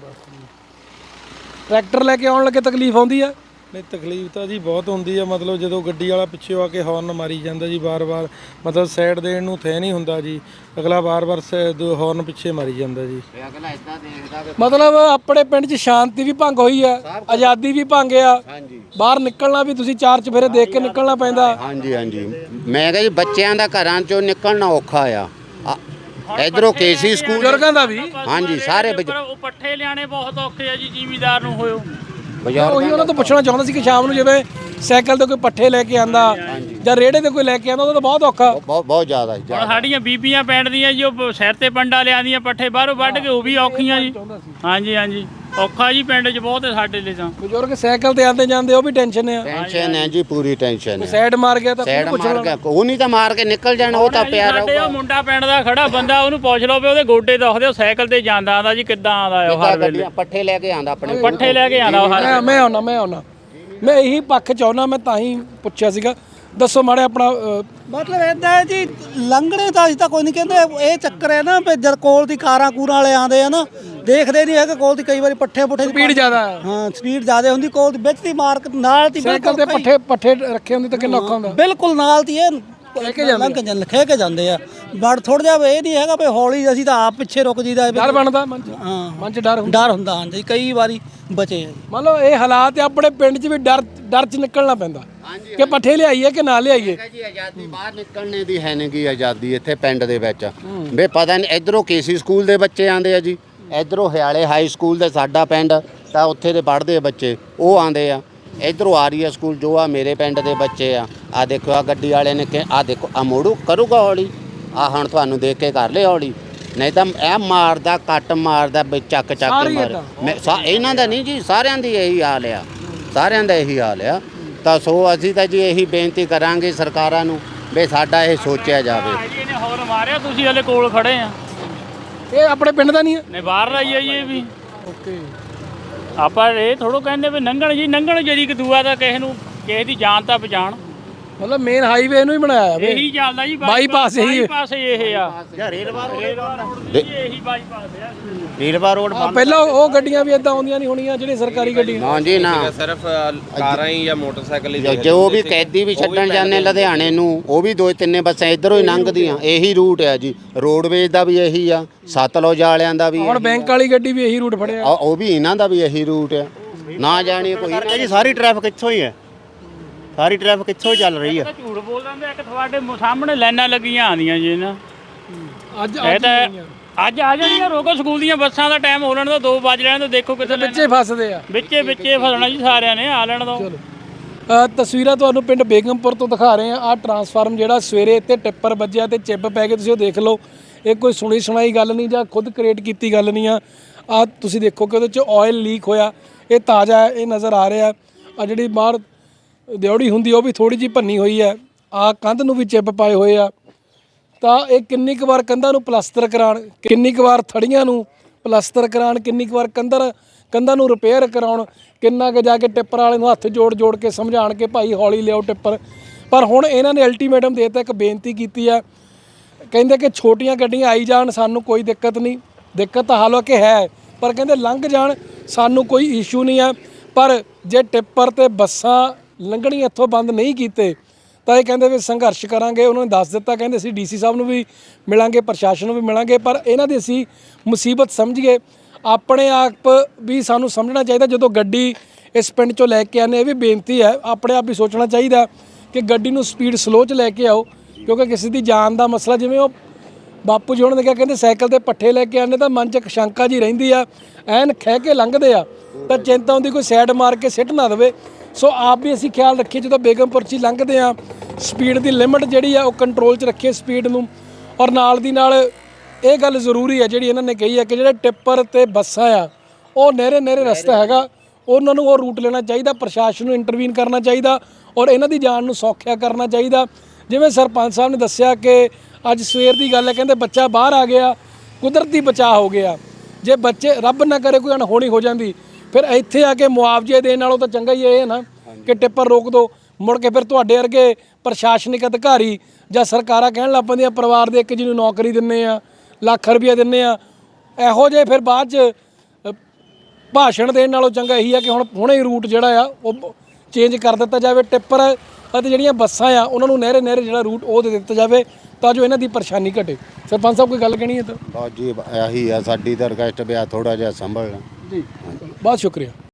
B: ਟਰੈਕਟਰ ਲੈ ਕੇ ਆਉਣ ਲੱਗੇ ਤਕਲੀਫ ਆਉਂਦੀ ਆ?
G: ਨਹੀਂ ਤਕਲੀਫ ਤਾਂ ਜੀ ਬਹੁਤ ਹੁੰਦੀ ਆ, ਮਤਲਬ ਜਦੋਂ ਗੱਡੀ ਵਾਲਾ ਪਿੱਛੇ ਆ ਕੇ ਹਾਰਨ ਮਾਰੀ ਜਾਂਦਾ ਜੀ ਵਾਰ-ਵਾਰ, ਮਤਲਬ ਸਾਈਡ ਦੇਣ ਨੂੰ ਥੇ ਨਹੀਂ ਹੁੰਦਾ ਜੀ, ਅਗਲਾ ਵਾਰ-ਵਾਰ ਹਾਰਨ ਪਿੱਛੇ ਮਾਰੀ ਜਾਂਦਾ ਜੀ।
A: ਅਗਲਾ ਇਦਾਂ ਦੇਖਦਾ
B: ਮਤਲਬ ਆਪਣੇ ਪਿੰਡ 'ਚ ਸ਼ਾਂਤੀ ਵੀ ਭੰਗ ਹੋਈ ਆ, ਆਜ਼ਾਦੀ ਵੀ ਭੰਗ ਆ, ਬਾਹਰ ਨਿਕਲਣਾ ਵੀ ਤੁਸੀਂ ਚਾਰ ਚਫੇਰੇ ਦੇਖ ਕੇ ਨਿਕਲਣਾ ਪੈਂਦਾ।
A: ਹਾਂਜੀ ਮੈਂ ਕਿਹਾ ਜੀ ਬੱਚਿਆਂ ਦਾ ਘਰਾਂ ਚੋਂ ਨਿਕਲਣਾ ਔਖਾ ਆ। ਇਧਰੋਂ ਕੇਸੀ ਸਕੂਲ,
B: ਬਜ਼ੁਰਗਾਂ ਦਾ ਵੀ।
A: ਹਾਂਜੀ ਸਾਰੇ
C: ਉਹ ਪੱਠੇ ਲਿਆਣੇ ਬਹੁਤ ਔਖੇ ਆ ਜੀ, ਜ਼ਿਮੀਦਾਰ ਨੂੰ ਹੋਇਓ।
B: ਉਹੀ ਉਹਨਾਂ ਤੋਂ ਪੁੱਛਣਾ ਚਾਹੁੰਦਾ ਸੀ ਕਿ ਸ਼ਾਮ ਨੂੰ ਜਿਵੇਂ ਸਾਈਕਲ ਤੇ ਕੋਈ ਪੱਠੇ ਲੈ ਕੇ ਆਂਦਾ ਜਾਂ ਰੇੜੇ ਤੇ ਕੋਈ ਲੈ ਕੇ ਆਂਦਾ, ਉਹਦਾ ਤਾਂ ਬਹੁਤ ਔਖਾ।
A: ਬਹੁਤ ਜ਼ਿਆਦਾ
C: ਹੁਣ ਸਾਡੀਆਂ ਬੀਬੀਆਂ ਪਿੰਡ ਦੀਆਂ ਜੀ, ਉਹ ਸਿਰ ਤੇ ਪੰਡਾ ਲਿਆਂਦੀਆਂ ਪੱਠੇ ਬਾਹਰੋਂ ਵੱਢ ਕੇ, ਉਹ ਵੀ ਔਖੀਆਂ ਜੀ। ਹਾਂਜੀ ਔਖਾ ਜੀ ਪਿੰਡ 'ਚ ਬਹੁਤ ਹੈ ਸਾਡੇ ਲਈ ਤਾਂ।
B: ਬਜ਼ੁਰਗ ਸਾਈਕਲ ਤੇ ਆਂਦੇ ਜਾਂਦੇ, ਉਹ ਵੀ ਟੈਨਸ਼ਨ ਆ।
A: ਟੈਨਸ਼ਨ ਹੈ ਜੀ, ਪੂਰੀ ਟੈਨਸ਼ਨ ਹੈ।
B: ਸਾਈਡ ਮਾਰ ਗਿਆ ਤਾਂ
A: ਸਾਈਡ ਮਾਰ ਗਿਆ, ਉਹ ਨਹੀਂ ਤਾਂ ਮਾਰ ਕੇ ਨਿਕਲ ਜਾਣਾ, ਉਹ ਤਾਂ ਪਿਆ
C: ਸਾਡੇ
A: ਰਹੂਗਾ।
C: ਉਹ ਮੁੰਡਾ ਪਿੰਡ ਦਾ ਖੜਾ ਬੰਦਾ, ਉਹਨੂੰ ਪੁੱਛ ਲਓ ਵੀ ਉਹਦੇ ਗੋਡੇ ਦੁਖਦੇ, ਉਹ ਸਾਈਕਲ ਤੇ ਜਾਂਦਾ ਆਂਦਾ ਜੀ, ਕਿੱਦਾਂ ਆਂਦਾ ਉਹ ਹਰ ਵੇਲੇ
A: ਪੱਠੇ ਲੈ ਕੇ ਆਂਦਾ ਆਪਣੇ
C: ਪੱਠੇ ਲੈ ਕੇ ਆਂਦਾ ਉਹ ਹਰ
B: ਮੈਂ ਆਉਣਾ ਮੈਂ ਇਹੀ ਪੱਖ ਚਾਹੁੰਦਾ, ਮੈਂ ਤਾਂ ਹੀ ਪੁੱਛਿਆ ਸੀਗਾ। ਦੱਸੋ ਮਾੜੇ ਆਪਣਾ
H: ਮਤਲਬ ਇਦਾਂ ਹੈ ਜੀ, ਲੰਘਣੇ ਤਾਂ ਅਸੀਂ ਤਾਂ ਕੋਈ ਨਹੀਂ ਕਹਿੰਦੇ, ਇਹ ਚੱਕਰ ਹੈ ਨਾ ਵੀ ਜਦ ਕੋਲ ਦੀ ਕਾਰਾਂ ਕੂਰਾਂ ਵਾਲੇ ਆਉਂਦੇ ਆ ਨਾ, ਦੇਖਦੇ ਨਹੀਂ ਹੈ ਕਿ ਕੋਲ ਦੀ ਕਈ ਵਾਰੀ ਪੱਠੇ
B: ਸਪੀਡ ਜ਼ਿਆਦਾ ਹੈ।
H: ਹਾਂ ਸਪੀਡ ਜ਼ਿਆਦਾ ਹੁੰਦੀ, ਕੋਲ ਦੀ ਵਿੱਚ ਦੀ ਮਾਰਕ ਨਾਲ ਦੀ
B: ਸਾਈਕਲ ਤੇ ਪੱਠੇ ਰੱਖੇ ਹੁੰਦੇ ਤਾਂ ਕਿੰਨਾ ਔਖਾ ਹੁੰਦਾ।
H: ਬਿਲਕੁਲ ਨਾਲ ਦੀ ਇਹ ਲੰਘ ਕੇ ਜਾਂਦੇ ਆ, ਬੜ ਥੋੜਾ ਜਿਹਾ ਇਹ ਨਹੀਂ ਹੈਗਾ ਵੀ ਹੌਲੀ, ਅਸੀਂ ਤਾਂ ਆਪ ਪਿੱਛੇ ਰੁਕ ਜੀਦਾ।
B: ਡਰ ਬਣਦਾ ਮਨ 'ਚ,
H: ਹਾਂ
B: ਮਨ 'ਚ ਡਰ ਹੁੰਦਾ।
H: ਡਰ ਹੁੰਦਾ ਹਾਂਜੀ, ਕਈ ਵਾਰੀ ਬਚੇ ਆ।
B: ਮੰਨ ਲਓ ਇਹ ਹਾਲਾਤ ਆਪਣੇ ਪਿੰਡ 'ਚ ਵੀ ਡਰ 'ਚ ਨਿਕਲਣਾ ਪੈਂਦਾ ਕਿ ਪੱਠੇ ਲਿਆਈਏ ਕਿ ਨਾ ਲਿਆਈਏ।
A: ਜੀ ਆਜ਼ਾਦੀ ਬਾਹਰ ਨਿਕਲਣੇ ਦੀ ਹੈ ਨਹੀਂ ਗੀ ਆਜ਼ਾਦੀ ਇੱਥੇ ਪਿੰਡ ਦੇ ਵਿੱਚ ਵੇ ਪਤਾ ਨਹੀਂ। ਇਧਰੋਂ ਕੇਸੀ ਸਕੂਲ ਦੇ ਬੱਚੇ ਆਂਦੇ ਆ ਜੀ, ਇਧਰੋਂ ਹਿਆਲੇ ਹਾਈ ਸਕੂਲ ਦੇ ਸਾਡਾ ਪਿੰਡ ਤਾਂ ਉੱਥੇ ਦੇ ਪੜ੍ਹਦੇ ਬੱਚੇ ਉਹ ਆਂਦੇ ਆ, ਇਧਰੋਂ ਆਰੀਆ ਸਕੂਲ ਜੋ ਆ ਮੇਰੇ ਪਿੰਡ ਦੇ ਬੱਚੇ ਆ ਦੇਖੋ ਆ ਗੱਡੀ ਵਾਲੇ ਨੇ ਕਿ ਆ ਦੇਖੋ ਆ ਮੋੜੂ ਕਰੂਗਾ ਹੌਲੀ, ਆ ਹੁਣ ਤੁਹਾਨੂੰ ਦੇਖ ਕੇ ਕਰ ਲਿਆ ਹੌਲੀ, ਨਹੀਂ ਤਾਂ ਇਹ ਮਾਰਦਾ ਕੱਟ ਮਾਰਦਾ ਵੀ ਚੱਕ ਚੱਕ
B: ਸਾਰੇ
A: ਕੇ ਮਾਰ
B: ਏਦਾਂ?
A: ਇਹਨਾਂ ਦਾ ਨਹੀਂ ਜੀ, ਸਾਰਿਆਂ ਦੀ ਇਹੀ ਹਾਲ ਆ, ਸਾਰਿਆਂ ਦਾ ਇਹੀ ਹਾਲ ਆ। ਤਾਂ ਸੋ ਅਸੀਂ ਤਾਂ ਜੀ ਇਹੀ ਬੇਨਤੀ ਕਰਾਂਗੇ ਸਰਕਾਰਾਂ ਨੂੰ ਵੀ ਸਾਡਾ ਇਹ ਸੋਚਿਆ ਜਾਵੇ।
C: ਜੀ ਇਹਨੇ ਹੋਰ ਮਾਰਿਆ, ਤੁਸੀਂ ਹਲੇ ਕੋਲ ਖੜੇ ਆ।
B: ਇਹ ਆਪਣੇ ਪਿੰਡ ਦਾ ਨਹੀਂ ਹੈ?
C: ਨੇ ਬਾਹਰ ਆਈ ਹੈ ਜੀ ਇਹ ਵੀ।
B: ਓਕੇ।
C: ਆਪਾਂ ਇਹ ਥੋੜੋ ਕਹਿੰਦੇ ਵੀ ਲੰਘਣ ਜੀ, ਲੰਘਣ ਜਿਹੜੀ ਕਦੂਆ ਦਾ ਕਿਸੇ ਦੀ ਜਾਨ ਤਾਂ ਬਚਾਣ।
B: ਮਤਲਬ ਮੇਨ ਹਾਈਵੇ ਇਹਨੂੰ ਹੀ ਬਣਾਇਆ ਵੇ।
C: ਇਹੀ ਚੱਲਦਾ ਜੀ,
B: ਬਾਈਪਾਸ ਇਹੀ ਹੈ।
C: ਬਾਈਪਾਸ ਇਹ ਆ,
E: ਜਾਂ ਰੇਲਵਾ ਰੋਡ
C: ਇਹੀ ਬਾਈਪਾਸ ਆ।
E: ਰੇਲਵਾ ਰੋਡ
B: ਪਹਿਲਾਂ ਉਹ ਗੱਡੀਆਂ ਵੀ ਇਦਾਂ ਆਉਂਦੀਆਂ ਨਹੀਂ ਹੋਣੀਆਂ ਜਿਹੜੀਆਂ ਸਰਕਾਰੀ ਗੱਡੀਆਂ।
A: ਨਾ ਜੀ ਨਾ,
D: ਸਿਰਫ ਕਾਰਾਂ ਹੀ ਜਾਂ ਮੋਟਰਸਾਈਕਲ ਹੀ
A: ਜੇ ਉਹ ਵੀ ਕੈਦੀ ਵੀ ਛੱਡਣ ਜਾਂਦੇ ਲੁਧਿਆਣੇ ਨੂੰ, ਉਹ ਵੀ 2-3 ਬੱਸਾਂ ਇੱਧਰੋਂ ਹੀ ਲੰਘਦੀਆਂ। ਇਹੀ ਰੂਟ ਹੈ ਜੀ, ਰੋਡਵੇਜ਼ ਦਾ ਵੀ ਇਹੀ ਆ, ਸਤਲੁਜ ਵਾਲਿਆਂ ਦਾ ਵੀ
B: ਹੁਣ ਬੈਂਕ ਵਾਲੀ ਗੱਡੀ ਵੀ ਇਹੀ ਰੂਟ ਫੜਿਆ।
A: ਉਹ ਵੀ ਇਹਨਾਂ ਦਾ ਵੀ ਇਹੀ ਰੂਟ ਆ। ਨਾ ਜਾਣੀ ਕੋਈ
E: ਜੀ ਸਾਰੀ ਟ੍ਰੈਫਿਕ ਇੱਥੋਂ ਹੀ ਹੈ, ਸਾਰੀ ਟ੍ਰੈਫਿਕ ਇੱਥੋਂ ਹੀ ਚੱਲ ਰਹੀ ਹੈ।
C: ਝੂਠ ਬੋਲ ਦਿੰਦੇ, ਇੱਕ ਤੁਹਾਡੇ ਸਾਹਮਣੇ ਲਾਈਨਾਂ ਲੱਗੀਆਂ ਆਉਂਦੀਆਂ ਜੀ ਇਹਨਾਂ।
B: ਅੱਜ
C: ਇਹ ਤਾਂ ਅੱਜ ਆ ਜਾਣੀਆਂ, ਰੋਕੋ ਸਕੂਲ ਦੀਆਂ ਬੱਸਾਂ ਦਾ ਟਾਈਮ ਹੋ ਲੈਣ ਤੋਂ 2 ਵਜ ਲੈਣ ਤੋਂ, ਦੇਖੋ ਕਿੱਥੇ
B: ਬੱਚੇ ਫਸਦੇ ਆ।
C: ਵਿੱਚੇ ਫਸਣਾ ਜੀ ਸਾਰਿਆਂ ਨੇ, ਆ ਲੈਣ ਤੋਂ।
B: ਤਸਵੀਰਾਂ ਤੁਹਾਨੂੰ ਪਿੰਡ ਬੇਗਮਪੁਰ ਤੋਂ ਦਿਖਾ ਰਹੇ ਆ। ਆਹ ਟਰਾਂਸਫਾਰਮ ਜਿਹੜਾ ਸਵੇਰੇ ਇੱਥੇ ਟਿੱਪਰ ਵੱਜਿਆ ਤੇ ਚਿੱਬ ਪੈ ਗਏ, ਤੁਸੀਂ ਉਹ ਦੇਖ ਲਓ। ਇਹ ਕੋਈ ਸੁਣੀ ਸੁਣਾਈ ਗੱਲ ਨਹੀਂ ਜਾਂ ਖੁਦ ਕ੍ਰੀਏਟ ਕੀਤੀ ਗੱਲ ਨਹੀਂ ਆ। ਆਹ ਤੁਸੀਂ ਦੇਖੋ ਕਿ ਉਹਦੇ 'ਚ ਆਇਲ ਲੀਕ ਹੋਇਆ, ਇਹ ਤਾਜ਼ਾ ਹੈ, ਇਹ ਨਜ਼ਰ ਆ ਰਿਹਾ। ਆ ਜਿਹੜੀ ਬਾਹਰ ਦਿਉੜੀ ਹੁੰਦੀ ਉਹ ਵੀ ਥੋੜੀ ਜਿਹੀ ਭੰਨੀ ਹੋਈ ਹੈ। ਆ ਕੰਧ ਨੂੰ ਵੀ ਚਿੱਬ ਪਾਏ ਹੋਏ ਆ। ਤਾਂ ਇਹ ਕਿੰਨੀ ਕੁ ਵਾਰ ਕੰਧਾਂ ਨੂੰ ਪਲਾਸਟਰ ਕਰਾਉਣ, ਕਿੰਨੀ ਕੁ ਵਾਰ ਥੜੀਆਂ ਨੂੰ ਪਲਾਸਟਰ ਕਰਾਉਣ, ਕਿੰਨੀ ਕੁ ਵਾਰ ਕੰਧਾਂ ਨੂੰ ਰਿਪੇਅਰ ਕਰਾਉਣ, ਕਿੰਨਾ ਕੁ ਜਾ ਕੇ ਟਿੱਪਰ ਵਾਲੇ ਨੂੰ ਹੱਥ ਜੋੜ ਕੇ ਸਮਝਾਉਣ ਕਿ ਭਾਈ ਹੌਲੀ ਲਿਆਓ ਟਿੱਪਰ। ਪਰ ਹੁਣ ਇਹਨਾਂ ਨੇ ਅਲਟੀਮੇਟਮ ਦੇ ਦਿੱਤਾ, ਇੱਕ ਬੇਨਤੀ ਕੀਤੀ ਆ। ਕਹਿੰਦੇ ਕਿ ਛੋਟੀਆਂ ਗੱਡੀਆਂ ਆਈ ਜਾਣ, ਸਾਨੂੰ ਕੋਈ ਦਿੱਕਤ ਨਹੀਂ। ਦਿੱਕਤ ਤਾਂ ਹਾਲਾਂਕਿ ਹੈ, ਪਰ ਕਹਿੰਦੇ ਲੰਘ ਜਾਣ, ਸਾਨੂੰ ਕੋਈ ਇਸ਼ੂ ਨਹੀਂ ਆ। ਪਰ ਜੇ ਟਿੱਪਰ ਤੇ ਬੱਸਾਂ ਲੰਘਣੀਆਂ ਇੱਥੋਂ ਬੰਦ ਨਹੀਂ ਕੀਤੇ ਤਾਂ ਇਹ ਕਹਿੰਦੇ ਵੀ ਸੰਘਰਸ਼ ਕਰਾਂਗੇ। ਉਹਨਾਂ ਨੇ ਦੱਸ ਦਿੱਤਾ, ਕਹਿੰਦੇ ਅਸੀਂ ਡੀਸੀ ਸਾਹਿਬ ਨੂੰ ਵੀ ਮਿਲਾਂਗੇ, ਪ੍ਰਸ਼ਾਸਨ ਨੂੰ ਵੀ ਮਿਲਾਂਗੇ। ਪਰ ਇਹਨਾਂ ਦੀ ਅਸੀਂ ਮੁਸੀਬਤ ਸਮਝੀਏ, ਆਪਣੇ ਆਪ ਵੀ ਸਾਨੂੰ ਸਮਝਣਾ ਚਾਹੀਦਾ। ਜਦੋਂ ਗੱਡੀ ਇਸ ਪਿੰਡ ਚੋਂ ਲੈ ਕੇ ਆਉਂਦੇ, ਇਹ ਵੀ ਬੇਨਤੀ ਹੈ, ਆਪਣੇ ਆਪ ਵੀ ਸੋਚਣਾ ਚਾਹੀਦਾ ਕਿ ਗੱਡੀ ਨੂੰ ਸਪੀਡ ਸਲੋ 'ਚ ਲੈ ਕੇ ਆਓ, ਕਿਉਂਕਿ ਕਿਸੇ ਦੀ ਜਾਨ ਦਾ ਮਸਲਾ। ਜਿਵੇਂ ਉਹ ਬਾਪੂ ਜੀ ਉਹਨਾਂ ਨੇ ਕਿਹਾ, ਕਹਿੰਦੇ ਸਾਈਕਲ ਤੇ ਪੱਠੇ ਲੈ ਕੇ ਆਉਂਦੇ ਤਾਂ ਮਨ 'ਚ ਇੱਕ ਸ਼ੰਕਾ ਜੀ ਰਹਿੰਦੀ ਆ, ਐਨ ਖਹਿ ਕੇ ਲੰਘਦੇ ਆ ਤਾਂ ਚਿੰਤਾ ਹੁੰਦੀ ਕੋਈ ਸਾਈਡ ਮਾਰ ਕੇ ਸਿੱਟ ਨਾ ਦੇਵੇ। ਸੋ ਆਪ ਵੀ ਅਸੀਂ ਖਿਆਲ ਰੱਖੀਏ, ਜਦੋਂ ਬੇਗਮਪੁਰ 'ਚ ਲੰਘਦੇ ਆ ਸਪੀਡ ਦੀ ਲਿਮਟ ਜਿਹੜੀ ਆ ਉਹ ਕੰਟਰੋਲ 'ਚ ਰੱਖੀਏ ਸਪੀਡ ਨੂੰ। ਔਰ ਨਾਲ ਦੀ ਨਾਲ ਇਹ ਗੱਲ ਜ਼ਰੂਰੀ ਹੈ ਜਿਹੜੀ ਇਹਨਾਂ ਨੇ ਕਹੀ ਹੈ ਕਿ ਜਿਹੜੇ ਟਿੱਪਰ ਤੇ ਬੱਸਾਂ ਆ ਉਹ ਨਹਿਰੇ ਰਸਤਾ ਹੈਗਾ, ਉਹਨਾਂ ਨੂੰ ਉਹ ਰੂਟ ਲੈਣਾ ਚਾਹੀਦਾ। ਪ੍ਰਸ਼ਾਸਨ ਨੂੰ ਇੰਟਰਵੀਨ ਕਰਨਾ ਚਾਹੀਦਾ ਔਰ ਇਹਨਾਂ ਦੀ ਜਾਨ ਨੂੰ ਸੌਖਿਆ ਕਰਨਾ ਚਾਹੀਦਾ। ਜਿਵੇਂ ਸਰਪੰਚ ਸਾਹਿਬ ਨੇ ਦੱਸਿਆ ਕਿ ਅੱਜ ਸਵੇਰ ਦੀ ਗੱਲ ਹੈ, ਕਹਿੰਦੇ ਬੱਚਾ ਬਾਹਰ ਆ ਗਿਆ, ਕੁਦਰਤੀ ਬਚਾਅ ਹੋ ਗਿਆ। ਜੇ ਬੱਚੇ ਰੱਬ ਨਾ ਕਰੇ ਕੋਈ ਅਣਹੋਣੀ ਹੋ ਜਾਂਦੀ, ਫਿਰ ਇੱਥੇ ਆ ਕੇ ਮੁਆਵਜ਼ੇ ਦੇਣ ਨਾਲੋਂ ਤਾਂ ਚੰਗਾ ਹੀ ਇਹ ਹੈ ਨਾ ਕਿ ਟਿੱਪਰ ਰੋਕ ਦਿਓ। ਮੁੜ ਕੇ ਫਿਰ ਤੁਹਾਡੇ ਵਰਗੇ ਪ੍ਰਸ਼ਾਸਨਿਕ ਅਧਿਕਾਰੀ ਜਾਂ ਸਰਕਾਰਾਂ ਕਹਿਣ ਲੱਗ ਪੈਂਦੀਆਂ ਪਰਿਵਾਰ ਦੇ ਇੱਕ ਜੀ ਨੂੰ ਨੌਕਰੀ ਦਿੰਦੇ ਆ, ਲੱਖ ਰੁਪਈਆ ਦਿੰਦੇ ਆ, ਇਹੋ ਜਿਹੇ ਫਿਰ ਬਾਅਦ 'ਚ ਭਾਸ਼ਣ ਦੇਣ ਨਾਲੋਂ ਚੰਗਾ ਇਹੀ ਆ ਕਿ ਹੁਣੇ ਹੀ ਰੂਟ ਜਿਹੜਾ ਆ ਉਹ ਚੇਂਜ ਕਰ ਦਿੱਤਾ ਜਾਵੇ। ਟਿੱਪਰ ਅਤੇ ਜਿਹੜੀਆਂ ਬੱਸਾਂ ਆ ਉਹਨਾਂ ਨੂੰ ਨਹਿਰੇ ਜਿਹੜਾ ਰੂਟ ਉਹ ਦੇ ਦਿੱਤਾ ਜਾਵੇ ਤਾਂ ਜੋ ਇਹਨਾਂ ਦੀ ਪਰੇਸ਼ਾਨੀ ਘਟੇ। ਸਰਪੰਚ ਸਾਹਿਬ ਕੋਈ ਗੱਲ ਕਹਿਣੀ ਹੈ ਤਾਂ?
A: ਬਸ ਜੀ ਇਹੀ ਆ ਸਾਡੀ ਤਾਂ ਰਿਕਵੈਸਟ ਵੀ ਆ ਥੋੜਾ ਜਿਹਾ ਸੰਭਲਣਾ
B: ਜੀ, ਬਹੁਤ ਸ਼ੁਕਰੀਆ।